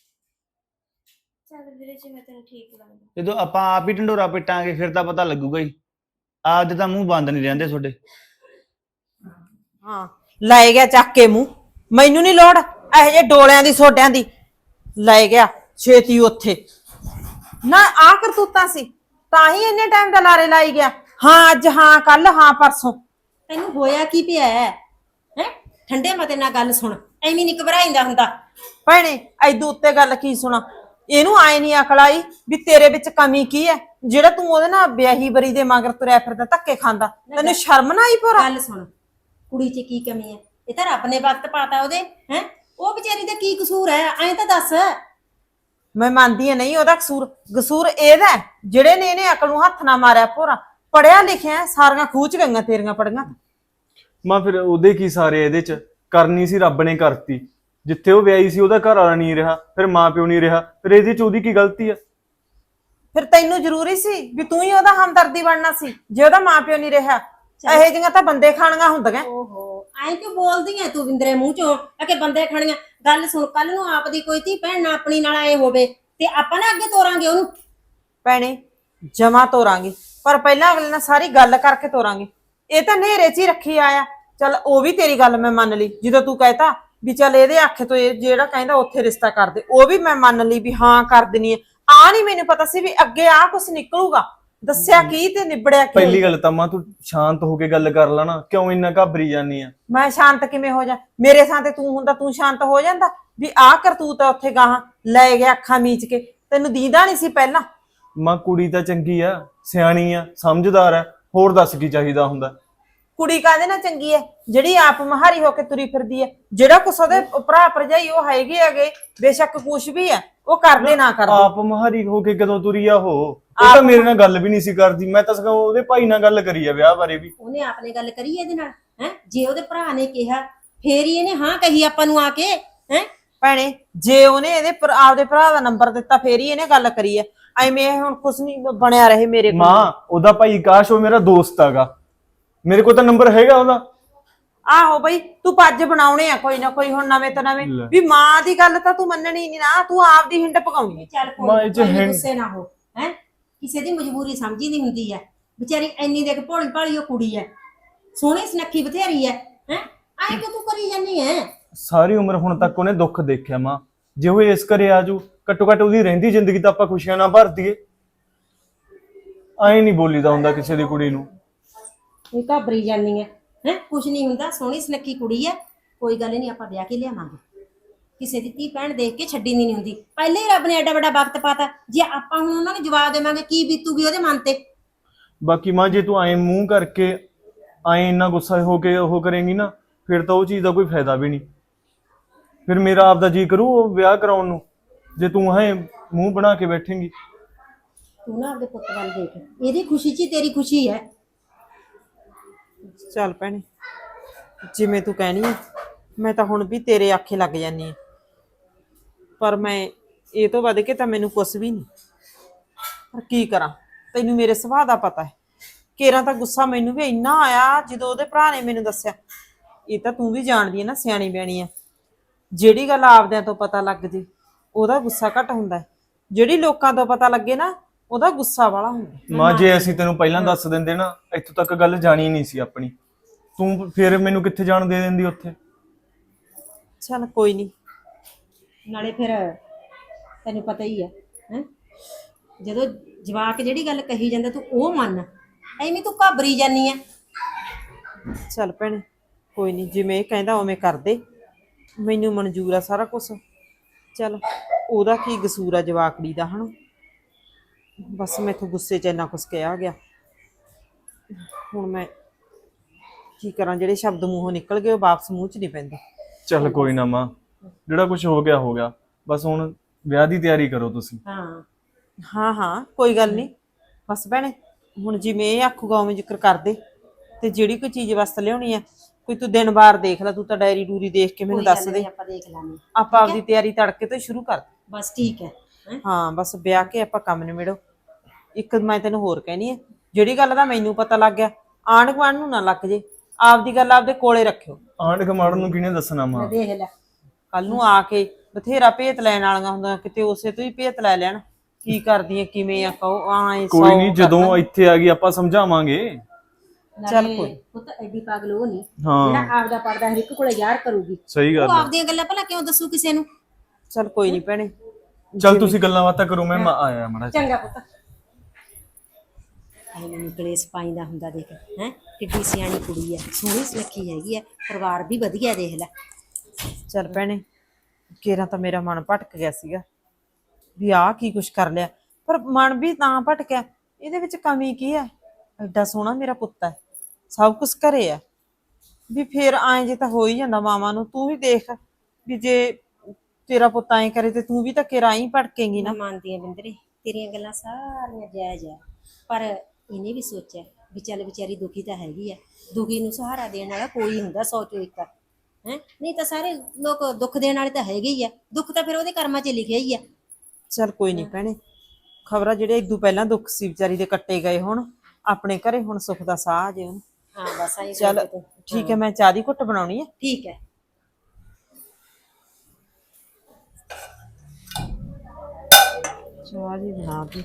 Speaker 6: ਚੱਲ ਵੀਰੇ, ਜਿਵੇਂ ਤੈਨੂੰ ਠੀਕ ਲੱਗਦਾ।
Speaker 4: ਜਦੋਂ ਆਪਾਂ ਆਪ ਹੀ ਢੰਡੋਰਾ ਪਿੱਟਾਂਗੇ ਫਿਰ ਤਾਂ ਪਤਾ ਲੱਗੂਗਾ ਹੀ। ਆਪਦੇ ਤਾਂ ਮੂੰਹ ਬੰਦ ਨਹੀਂ ਰਹਿੰਦੇ ਤੁਹਾਡੇ।
Speaker 2: ਹਾਂ ਲੈ ਗਿਆ ਚੱਕ ਕੇ ਮੂੰਹ, ਮੈਨੂੰ ਨਹੀਂ ਲੋੜ ਇਹੋ ਜਿਹੇ ਡੋਲਿਆਂ ਦੀ ਸੋਡਿਆਂ ਦੀ। ਲੈ ਗਿਆ ਛੇਤੀ ਉੱਥੇ ਨਾ, ਆ ਕਰਤੂਤਾਂ ਸੀ ਤਾਂ ਹੀ ਇੰਨੇ ਟਾਈਮ ਦਾ ਲਾਰੇ ਲਾਈ ਗਿਆ। ਹਾਂ ਅੱਜ, ਹਾਂ ਕੱਲ, ਹਾਂ ਪਰਸੋਂ।
Speaker 1: ਤੈਨੂੰ ਹੋਇਆ ਕੀ ਪਿਆ ਹੈ? ਹੈ ਠੰਡੇ ਮਤੇ ਨਾਲ ਗੱਲ ਸੁਣ, ਐਵੇਂ ਨਹੀਂ ਘਬਰਾਈਂਦਾ ਹੁੰਦਾ।
Speaker 2: ਭੈਣੇ ਐਦੂ ਉੱਤੇ ਗੱਲ ਕੀ ਸੁਣਾ? ਇਹਨੂੰ ਆਏ ਨਹੀਂ ਅਕਲ ਆਈ ਵੀ ਤੇਰੇ ਵਿੱਚ ਕਮੀ ਕੀ ਹੈ ਜਿਹੜਾ ਤੂੰ ਉਹਦੇ ਨਾਲ ਵਿਆਹੀ ਬਰੀ ਦੇ ਮਗਰ ਤੁਰਿਆ ਫਿਰਦਾ, ਧੱਕੇ ਖਾਂਦਾ। ਤੈਨੂੰ ਸ਼ਰਮ ਨਾ ਆਈ ਭੋਰਾ?
Speaker 1: ਗੱਲ ਸੁਣ, ਕੁੜੀ 'ਚ ਕੀ ਕਮੀ ਹੈ? ਇਹ ਤਾਂ ਰੱਬ ਨੇ ਵਕਤ ਪਾਤਾ ਉਹਦੇ, ਹੈ ਉਹ ਵਿਚਾਰੀ ਦਾ ਕੀ ਕਸੂਰ ਹੈ? ਐਂ ਤਾਂ ਦੱਸ।
Speaker 2: ਮੈਂ ਮੰਨਦੀ ਆ ਨਹੀਂ ਉਹਦਾ ਕਸੂਰ, ਕਸੂਰ ਇਹਦਾ ਹੈ ਜਿਹੜੇ ਨੇ ਇਹਨੇ ਅਕਲ ਨੂੰ ਹੱਥ ਨਾ ਮਾਰਿਆ। ਭੋਰਾ ਪੜਿਆ ਲਿਖਿਆ, ਸਾਰੀਆਂ ਖੂਚ ਗਈਆਂ ਤੇਰੀਆਂ ਪੜੀਆਂ।
Speaker 3: ਮਾਂ ਫਿਰ ਉਹਦੇ ਕੀ ਸਾਰੇ ਇਹਦੇ ਚ ਕਰਨੀ ਸੀ, ਰੱਬ ਨੇ ਕਰਤੀ। ਜਿੱਥੇ ਉਹ ਵਿਆਹੀ ਸੀ ਉਹਦਾ ਘਰ ਵਾਲਾ ਨਹੀਂ ਰਿਹਾ, ਫਿਰ ਮਾਂ ਪਿਓ ਨਹੀਂ ਰਿਹਾ, ਫਿਰ ਇਹਦੇ ਚ ਉਹਦੀ ਕੀ ਗਲਤੀ ਆ?
Speaker 2: ਫਿਰ ਤੈਨੂੰ ਜ਼ਰੂਰੀ ਸੀ ਵੀ ਤੂੰ ਹੀ ਉਹਦਾ ਹਮਦਰਦੀ ਬਣਨਾ ਸੀ ਜੇ ਉਹਦਾ ਮਾਂ ਪਿਓ ਨਹੀਂ ਰਿਹਾ? ਇਹੋ ਜਿਹੀਆਂ ਤਾਂ ਬੰਦੇ ਖਾਣੀਆਂ ਹੁੰਦੀਆਂ।
Speaker 1: ਓਹੋ ਐਂ ਕਿਉਂ ਬੋਲਦੀ ਐ ਤੂੰ ਬਿੰਦਰੇ ਮੂੰਹ ਚੋਂ ਆ ਕਿ ਬੰਦੇ ਖਾਣੀਆਂ? ਗੱਲ ਸੁਣ, ਕੱਲ ਨੂੰ ਆਪ ਦੀ ਕੋਈ ਧੀ ਭੈਣ ਨਾ ਆਪਣੀ ਨਾਲ ਆਏ ਹੋਵੇ ਤੇ ਆਪਾਂ ਨਾ ਅੱਗੇ ਤੋਰਾਂਗੇ ਉਹਨੂੰ।
Speaker 2: ਭੈਣੇ ਜਮਾ ਤੋਰਾਂਗੇ, ਪਰ ਪਹਿਲਾਂ ਅਗਲੇ ਨਾਲ ਸਾਰੀ ਗੱਲ ਕਰਕੇ ਤੋਰਾਂਗੇ। ਇਹ ਤਾਂ ਨੇਰੇ 'ਚ ਹੀ ਰੱਖੀ ਆਇਆ। ਚੱਲ ਉਹ ਵੀ ਤੇਰੀ ਗੱਲ ਮੈਂ ਮੰਨ ਲਈ, ਜਦੋਂ ਤੂੰ ਕਹਿਤਾ ਵੀ ਚੱਲ ਇਹਦੇ ਆਖੇ ਤੋਂ ਇਹ ਜਿਹੜਾ ਕਹਿੰਦਾ ਉੱਥੇ ਰਿਸ਼ਤਾ ਕਰ ਦੇ, ਉਹ ਵੀ ਮੈਂ ਮੰਨ ਲਈ ਵੀ ਹਾਂ ਕਰ ਦੇਣੀ ਹੈ। ਆ ਨਹੀਂ ਮੈਨੂੰ ਪਤਾ ਸੀ ਵੀ ਅੱਗੇ ਆ ਕੁਛ ਨਿਕਲੂਗਾ। ਦੱਸਿਆ ਕੀ ਤੇ ਨਿਬੜਿਆ ਕੀ?
Speaker 3: ਪਹਿਲੀ ਗੱਲ ਤਾਂ ਮਾਂ ਤੂੰ ਸ਼ਾਂਤ ਹੋ ਕੇ ਗੱਲ ਕਰ ਲੈ ਨਾ, ਕਿਉਂ ਇੰਨਾ ਘਾਬਰੀ ਜਾਂਦੀ ਆ?
Speaker 2: ਮੈਂ ਸ਼ਾਂਤ ਕਿਵੇਂ ਹੋ ਜਾ? ਮੇਰੇ ਥਾਂ ਤੇ ਤੂੰ ਹੁੰਦਾ, ਤੂੰ ਸ਼ਾਂਤ ਹੋ ਜਾਂਦਾ? ਵੀ ਆਹ ਕਰਤੂਤ ਆ ਉੱਥੇ ਗਾਹਾਂ ਲੈ ਗਿਆ ਅੱਖਾਂ ਮੀਚ ਕੇ, ਤੈਨੂੰ ਦੀਦਾ ਨਹੀਂ ਸੀ ਪਹਿਲਾਂ?
Speaker 3: ਮਾਂ ਕੁੜੀ ਤਾਂ ਚੰਗੀ ਆ, ਸਿਆਣੀ ਆ, ਸਮਝਦਾਰ ਆ, ਹੋਰ ਦੱਸ ਕੀ ਚਾਹੀਦਾ ਹੁੰਦਾ?
Speaker 2: ਕੁੜੀ ਕਾਹਦੇ ਨਾਲ ਚੰਗੀ ਹੈ? ਜਿਹੜੀ ਆਪ ਮਹਾਰੀ ਹੋ ਕੇ ਤੁਰੀ ਫਿਰਦੀ ਹੈ। ਜਿਹੜਾ ਕੁਛ ਉਹਦੇ ਭਰਾ ਭਰਜਾਈ ਉਹ ਹੈਗੇ ਹੈਗੇ, ਬੇਸ਼ੱਕ ਕੁਛ ਵੀ ਹੈ, ਉਹ ਕਰਦੇ ਨਾ ਕਰਦੇ।
Speaker 3: ਆਪ ਮਹਾਰੀ ਹੋ ਕੇ ਕਦੋਂ ਤੁਰੀ ਆ ਉਹ? ਉਹ ਤਾਂ ਮੇਰੇ ਨਾਲ ਗੱਲ ਵੀ ਨਹੀਂ ਸੀ ਕਰਦੀ। ਮੈਂ ਤਾਂ ਸਗੋਂ ਉਹਦੇ ਭਾਈ ਨਾਲ ਗੱਲ ਕਰੀ ਆ ਵਿਆਹ ਬਾਰੇ ਵੀ।
Speaker 1: ਉਹਨੇ ਆਪਨੇ ਗੱਲ ਕਰੀ ਇਹਦੇ ਨਾਲ ਹੈ? ਜੇ ਉਹਦੇ ਭਰਾ ਨੇ ਕਿਹਾ ਫੇਰ ਹੀ ਇਹਨੇ ਹਾਂ ਕਹੀ ਆਪਾਂ ਨੂੰ ਆ ਕੇ ਹੈ?
Speaker 2: ਭੈਣੇ ਜੇ ਉਹਨੇ ਇਹਦੇ ਭਰਾ- ਆਪਦੇ ਭਰਾ ਦਾ ਨੰਬਰ ਦਿੱਤਾ ਫੇਰ ਹੀ ਇਹਨੇ ਗੱਲ ਕਰੀ ਹੈ। ਐਵੇਂ ਹੁਣ ਕੁਛ ਨਹੀਂ ਬਣਿਆ ਰਹੇ ਮੇਰੇ ਕੋਲ।
Speaker 3: ਮਾਂ ਉਹਦਾ ਭਾਈ ਕਾਸ਼ ਉਹ ਮੇਰਾ ਦੋਸਤ ਹੈਗਾ, ਮੇਰੇ ਕੋਲ ਤਾਂ ਨੰਬਰ ਹੈਗਾ ਉਹਦਾ।
Speaker 2: ਆਹੋ ਬਈ ਤੂੰ ਪੱਜ ਬਣਾਉਣੇ ਆ ਕੋਈ ਨਾ ਕੋਈ ਹੁਣ ਨਵੇਂ ਤੋਂ ਨਵੇਂ।
Speaker 3: ਲੈ।
Speaker 2: ਵੀ ਮਾਂ ਦੀ ਗੱਲ ਤਾਂ ਤੂੰ ਮੰਨਣੀ ਨਹੀਂ ਨਾ, ਤੂੰ ਆਪਦੀ ਹਿੰਡ ਪਕਾਉਣੀ ਹੈ।
Speaker 1: ਚੱਲ
Speaker 3: ਮਾਂ
Speaker 1: ਕੋਈ
Speaker 3: ਇਹ 'ਚ
Speaker 1: ਕੋਈ ਨੀ,
Speaker 3: ਹਿੰਡ-
Speaker 1: ਗੁੱਸੇ ਨਾ ਹੋ ਹੈ। ਕਿਸੇ ਦੀ ਮਜਬੂਰੀ ਸਮਝੀ ਨਹੀਂ ਹੁੰਦੀ ਹੈ। ਵਿਚਾਰੀ ਇੰਨੀ ਦੇਖ ਭੋਲੀ ਭਾਲੀ ਉਹ ਕੁੜੀ ਹੈ, ਸੋਹਣੀ ਸੁਨੱਖੀ ਬਥੇਰੀ ਹੈ ਹੈ ਐਂ ਕਿ ਤੂੰ ਕਰੀ ਜਾਨੀ ਹੈ?
Speaker 3: ਸਾਰੀ ਉਮਰ ਹੁਣ ਤੱਕ ਉਹਨੇ ਦੁੱਖ ਦੇਖਿਆ ਮਾਂ। ਜੇ ਉਹ ਇਸ ਘਰੇ ਆਜੂ, ਘੱਟੋ ਘੱਟ ਉਹਦੀ ਰਹਿੰਦੀ ਜ਼ਿੰਦਗੀ ਤਾਂ ਆਪਾਂ ਖੁਸ਼ੀਆਂ ਨਾਲ ਭਰ ਦਈਏ। ਐਂ ਨਹੀਂ ਬੋਲੀਦਾ ਹੁੰਦਾ ਕਿਸੇ ਦੀ ਕੁੜੀ ਨੂੰ।
Speaker 1: ਇਹ ਘਾਬਰੀ ਜਾਨੀ ਹੈ ਹੈ ਕੁਛ ਨਹੀਂ ਹੁੰਦਾ, ਸੋਹਣੀ ਸੁਨੱਖੀ ਕੁੜੀ ਹੈ, ਕੋਈ ਗੱਲ ਨਹੀਂ, ਆਪਾਂ ਵਿਆਹ ਕੇ ਲਿਆਵਾਂਗੇ। ਕਿਸੇ ਦੀ ਧੀ ਭੈਣ ਦੇਖ ਕੇ ਛੱਡੀ ਨਹੀਂ ਹੁੰਦੀ। ਪਹਿਲੇ ਹੀ ਰੱਬ ਨੇ ਐਡਾ ਵੱਡਾ ਵਕਤ ਪਾਤਾ, ਜੇ ਆਪਾਂ ਹੁਣ ਉਹਨਾਂ ਨੂੰ ਜਵਾਬ ਦੇਵਾਂਗੇ ਕੀ ਬੀਤੂਗੀ ਉਹਦੇ ਮਨ ਤੇ?
Speaker 3: ਬਾਕੀ ਮਾਂ ਜੇ ਤੂੰ ਐਂ ਮੂੰਹ ਕਰਕੇ ਐਂ ਇੰਨਾ ਗੁੱਸਾ ਹੋ ਕੇ ਉਹ ਕਰੇਂਗੀ ਨਾ, ਫਿਰ ਤਾਂ ਉਹ ਚੀਜ਼ ਦਾ ਕੋਈ ਫਾਇਦਾ ਵੀ ਨਹੀਂ। ਫਿਰ ਮੇਰਾ ਆਪਦਾ ਜੀ ਕਰੂ ਉਹ ਵਿਆਹ ਕਰਾਉਣ ਨੂੰ, ਜੇ ਤੂੰ ਹੈ ਮੂੰਹ ਬਣਾ ਕੇ ਬੈਠੇਂਗੀ।
Speaker 1: ਤੂੰ ਨਾ ਆਪਦੇ ਪੁੱਤ ਵੱਲ ਦੇਖ, ਇਹਦੀ ਖੁਸ਼ੀ 'ਚ ਹੀ ਤੇਰੀ ਖੁਸ਼ੀ ਹੈ।
Speaker 2: ਚੱਲ ਭੈਣੇ ਜਿਵੇਂ ਤੂੰ ਕਹਿਣੀ ਹੈ, ਮੈਂ ਤਾਂ ਹੁਣ ਵੀ ਤੇਰੇ ਆਖੇ ਲੱਗ ਜਾਨੀ ਆ, ਪਰ ਮੈਂ ਇਹ ਤੋਂ ਵੱਧ ਕੇ ਤਾਂ ਮੈਨੂੰ ਕੁਛ ਵੀ ਨਹੀਂ। ਪਰ ਕੀ ਕਰਾਂ, ਤੈਨੂੰ ਮੇਰੇ ਸੁਭਾਅ ਦਾ ਪਤਾ ਹੈ। ਕੇਰਾਂ ਤਾਂ ਗੁੱਸਾ ਮੈਨੂੰ ਵੀ ਇੰਨਾ ਆਇਆ ਜਦੋਂ ਉਹਦੇ ਭਰਾ ਨੇ ਮੈਨੂੰ ਦੱਸਿਆ। ਇਹ ਤਾਂ ਤੂੰ ਵੀ ਜਾਣਦੀ ਹੈ ਨਾ, ਸਿਆਣੀ ਬਿਆਣੀ ਆ। ਜਿਹੜੀ ਗੱਲ ਆਪਦਿਆਂ ਤੋਂ ਪਤਾ ਲੱਗ ਜੇ ਉਹਦਾ ਗੁੱਸਾ ਘੱਟ ਹੁੰਦਾ ਹੈ, ਜਿਹੜੀ ਲੋਕਾਂ ਤੋਂ ਪਤਾ ਲੱਗੇ ਨਾ ਉਹਦਾ ਗੁੱਸਾ ਵਾਲਾ ਹੁੰਦਾ।
Speaker 3: ਮਾਂ ਜੇ ਅਸੀਂ ਤੈਨੂੰ ਪਹਿਲਾਂ ਦੱਸ ਦਿੰਦੇ ਨਾ, ਇੱਥੋਂ ਤੱਕ ਗੱਲ ਜਾਣੀ ਨਹੀਂ ਸੀ ਆਪਣੀ। ਤੂੰ ਫਿਰ ਮੈਨੂੰ ਕਿੱਥੇ ਜਾਣ ਦੇ ਦਿੰਦੀ ਉੱਥੇ?
Speaker 2: ਚੱਲ ਕੋਈ ਨਹੀਂ।
Speaker 1: ਨਾਲੇ ਫਿਰ ਤੈਨੂੰ ਪਤਾ ਹੀ ਹੈ ਹੈ ਜਦੋਂ ਜਵਾਕ ਜਿਹੜੀ ਗੱਲ ਕਹੀ ਜਾਂਦਾ ਤੂੰ ਉਹ ਮੰਨ, ਐਵੇਂ ਤੂੰ ਘਾਬਰੀ ਜਾਨੀ ਹੈ।
Speaker 2: ਚੱਲ ਭੈਣੇ ਕੋਈ ਨਹੀਂ, ਜਿਵੇਂ ਇਹ ਕਹਿੰਦਾ ਉਵੇਂ ਕਰ ਦੇ, ਮੈਨੂੰ ਮਨਜ਼ੂਰ ਆ ਸਾਰਾ ਕੁਝ। ਚੱਲ ਉਹਦਾ ਕੀ ਕਸੂਰ ਆ ਜਵਾਕੜੀ ਦਾ, ਹਨਾ? ਬਸ ਮੈਥੋਂ ਗੁੱਸੇ 'ਚ ਇੰਨਾ ਕੁਛ ਕਿਹਾ ਗਿਆ। ਹੁਣ ਮੈਂ ਕੀ ਕਰਾਂ, ਜਿਹੜੇ ਸ਼ਬਦ ਮੂੰਹੋਂ ਨਿਕਲ ਗਏ ਉਹ ਵਾਪਸ ਮੂੰਹ 'ਚ ਨਹੀਂ ਪੈਂਦੇ।
Speaker 3: ਚੱਲ ਕੋਈ ਨਾ ਮਾਂ, ਜਿਹੜਾ ਕੁਝ ਹੋ ਗਿਆ ਹੋ ਗਿਆ। ਬਸ ਹੁਣ ਵਿਆਹ ਦੀ ਤਿਆਰੀ ਕਰੋ ਤੁਸੀਂ।
Speaker 1: ਹਾਂ
Speaker 2: ਹਾਂ ਹਾਂ ਕੋਈ ਗੱਲ ਨਹੀਂ। ਬਸ ਭੈਣੇ ਹੁਣ ਜਿਵੇਂ ਇਹ ਆਖੂਗਾ ਉਵੇਂ ਜ਼ਿਕਰ ਕਰ ਦੇ, ਤੇ ਜਿਹੜੀ ਕੋਈ ਚੀਜ਼ ਵਾਸਤੇ ਲਿਆਉਣੀ ਆ ਕੋਈ ਤੂੰ ਦਿਨ ਵਾਰ ਦੇਖ ਲੈ, ਤੂੰ ਤਾਂ ਡਾਇਰੀ ਡੂਰੀ ਦੇਖ ਕੇ ਮੈਨੂੰ
Speaker 1: ਕੋਈ ਗੱਲ
Speaker 2: ਦੱਸ
Speaker 1: ਨੀ,
Speaker 2: ਦੇ।
Speaker 1: ਆਪਾਂ ਦੇਖ ਲਾਂਗੇ।
Speaker 2: ਆਪਾਂ ਆਪਦੀ ਤਿਆਰੀ ਤੜਕੇ ਤੋਂ ਹੀ ਸ਼ੁਰੂ ਕਰ ਦੇ।
Speaker 1: ਬਸ ਠੀਕ ਹੈ ਹੈਂ?
Speaker 2: ਹਾਂ ਬਸ ਵਿਆਹ ਕੇ ਆਪਾਂ ਕੰਮ ਨਿਬੇੜੋ। ਇੱਕ ਮੈਂ ਤੈਨੂੰ ਹੋਰ ਕਹਿਣੀ ਹੈ, ਜਿਹੜੀ ਗੱਲ ਦਾ ਮੈਨੂੰ ਪਤਾ ਲੱਗ ਗਿਆ ਆਂਢ ਗੁਆਂਢ ਨੂੰ ਨਾ ਲੱਗ ਜੇ, ਆਪਦੀ ਗੱਲ ਆਪਦੇ ਕੋਲੇ ਰੱਖਿਓ।
Speaker 3: ਆਂਢ ਗੁਆਂਢ ਨੂੰ ਕਿਹਨੇ ਦੱਸਣਾ ਮਾਂ?
Speaker 1: ਮੈਂ ਦੇਖ ਲੈ
Speaker 2: ਕੱਲ ਨੂੰ ਆ ਕੇ ਬਥੇਰਾ ਭੇਤ ਲੈਣ ਵਾਲੀਆਂ ਹੁੰਦਾ, ਕਿਤੇ ਉਸੇ ਤੋਂ ਹੀ ਭੇਤ ਲੈ ਲੈਣ ਕੀ ਕਰਦੀ ਹੈ ਕਿਵੇਂ ਆ ਕਹੋ ਆਏ
Speaker 3: ਕੋਈ ਨਹੀਂ, ਜਦੋਂ ਇੱਥੇ ਆ ਗਈ ਆਪਾਂ ਸਮਝਾਵਾਂਗੇ।
Speaker 2: ਚੱਲ
Speaker 1: ਨਾਲੇ
Speaker 2: ਕੋਈ।
Speaker 1: ਪੁੱਤ ਐਡੀ ਪਾਗਲ ਉਹ ਨਹੀਂ
Speaker 3: ਹਾਂ
Speaker 1: ਜਿਹੜਾ ਆਪਦਾ ਪਰਦਾ ਹਰ ਇੱਕ ਕੋਲੇ ਯਾਰ ਕਰੂਗੀ।
Speaker 3: ਸਹੀ
Speaker 1: ਉਹ
Speaker 3: ਗੱਲ ਹੈ।
Speaker 1: ਆਪਦੀਆਂ ਗੱਲਾਂ ਭਲਾ ਕਿਉਂ ਦੱਸੂ ਕਿਸੇ ਨੂੰ?
Speaker 2: ਚੱਲ ਕੋਈ ਨਹੀਂ ਭੈਣੇ।
Speaker 3: ਚੱਲ ਤੁਸੀਂ ਗੱਲਾਂ ਬਾਤਾਂ ਕਰੋ, ਮੈਂ ਮਾ- ਆਇਆ ਮਾੜਾ ਜਿਹਾ।
Speaker 1: ਚੰਗਾ ਪੁੱਤ। ਐਵੇਂ ਨਿਕਲੇ ਸਪਾਈ ਦਾ ਹੁੰਦਾ ਦੇਖ ਹੈ, ਕਿੱਡੀ ਸਿਆਣੀ ਕੁੜੀ ਹੈ, ਸੋਹਣੀ ਸੁਨੱਖੀ ਹੈਗੀ ਹੈ, ਪਰਿਵਾਰ ਵੀ ਵਧੀਆ ਦੇਖ ਲੈ।
Speaker 2: ਚੱਲ ਭੈਣੇ ਕੇਰਾਂ ਤਾਂ ਮੇਰਾ ਮਨ ਭਟਕ ਗਿਆ ਸੀਗਾ ਵੀ ਆਹ ਕੀ ਕੁਛ ਕਰ ਲਿਆ, ਪਰ ਮਨ ਵੀ ਤਾਂ ਭਟਕਿਆ, ਇਹਦੇ ਵਿੱਚ ਕਮੀ ਕੀ ਹੈ? ਐਡਾ ਸੋਹਣਾ ਮੇਰਾ ਪੁੱਤ ਹੈ, ਸਭ ਕੁਛ ਘਰੇ ਆ, ਵੀ ਫੇਰ ਆਏ ਜੇ ਤਾਂ ਹੋ ਹੀ ਜਾਂਦਾ ਮਾਵਾਂ ਨੂੰ। ਤੂੰ ਵੀ ਦੇਖ ਵੀ ਜੇ ਤੇਰਾ ਪੁੱਤ ਐਂ ਕਰੇ ਤੇ ਤੂੰ ਵੀ ਤਾਂ ਕੇਰਾਂ ਹੀ ਭਟਕੇਂਗੀ ਨਾ।
Speaker 1: ਮੈਂ ਮੰਨਦੀ ਹਾਂ ਬਿੰਦਰੇ, ਤੇਰੀਆਂ ਗੱਲਾਂ ਸਾਰੀਆਂ ਜਾਇਜ਼ ਹੈ, ਪਰ ਇਹਨੇ ਵੀ ਸੋਚਿਆ ਵੀ ਚੱਲ ਵਿਚਾਰੀ ਦੁਖੀ ਤਾਂ ਹੈਗੀ ਆ, ਦੁਖੀ ਨੂੰ ਸਹਾਰਾ ਦੇਣ ਵਾਲਾ ਕੋਈ ਹੁੰਦਾ ਸੌ ਚੋਂ ਇੱਕ ਹੈ। ਨਹੀਂ ਤਾਂ ਸਾਰੇ ਲੋਕ ਦੁੱਖ ਦੇਣ ਵਾਲੇ ਤਾਂ ਹੈਗੇ ਹੀ ਆ, ਦੁੱਖ ਤਾਂ ਫਿਰ ਉਹਦੇ ਕਰਮਾਂ 'ਚ ਲਿਖਿਆ ਹੀ ਆ।
Speaker 2: ਚੱਲ ਕੋਈ ਨਹੀਂ ਭੈਣੇ, ਖਬਰਾਂ ਜਿਹੜੇ ਇਦੋਂ ਪਹਿਲਾਂ ਦੁੱਖ ਸੀ ਵਿਚਾਰੀ ਦੇ ਕੱਟੇ ਗਏ, ਹੁਣ ਆਪਣੇ ਘਰੇ ਹੁਣ ਸੁੱਖ ਦਾ ਸਾਹ ਆ ਜੇ ਉਹਨੂੰ।
Speaker 1: ਹਾਂ ਬਸ ਆਈ
Speaker 2: ਚੱਲ ਠੀਕ ਹੈ, ਮੈਂ ਚਾਹ ਦੀ ਘੁੱਟ ਬਣਾਉਣੀ ਹੈ।
Speaker 1: ਠੀਕ ਹੈ।
Speaker 2: ਚਾਹ ਜੀ ਬਣਾ ਦੀ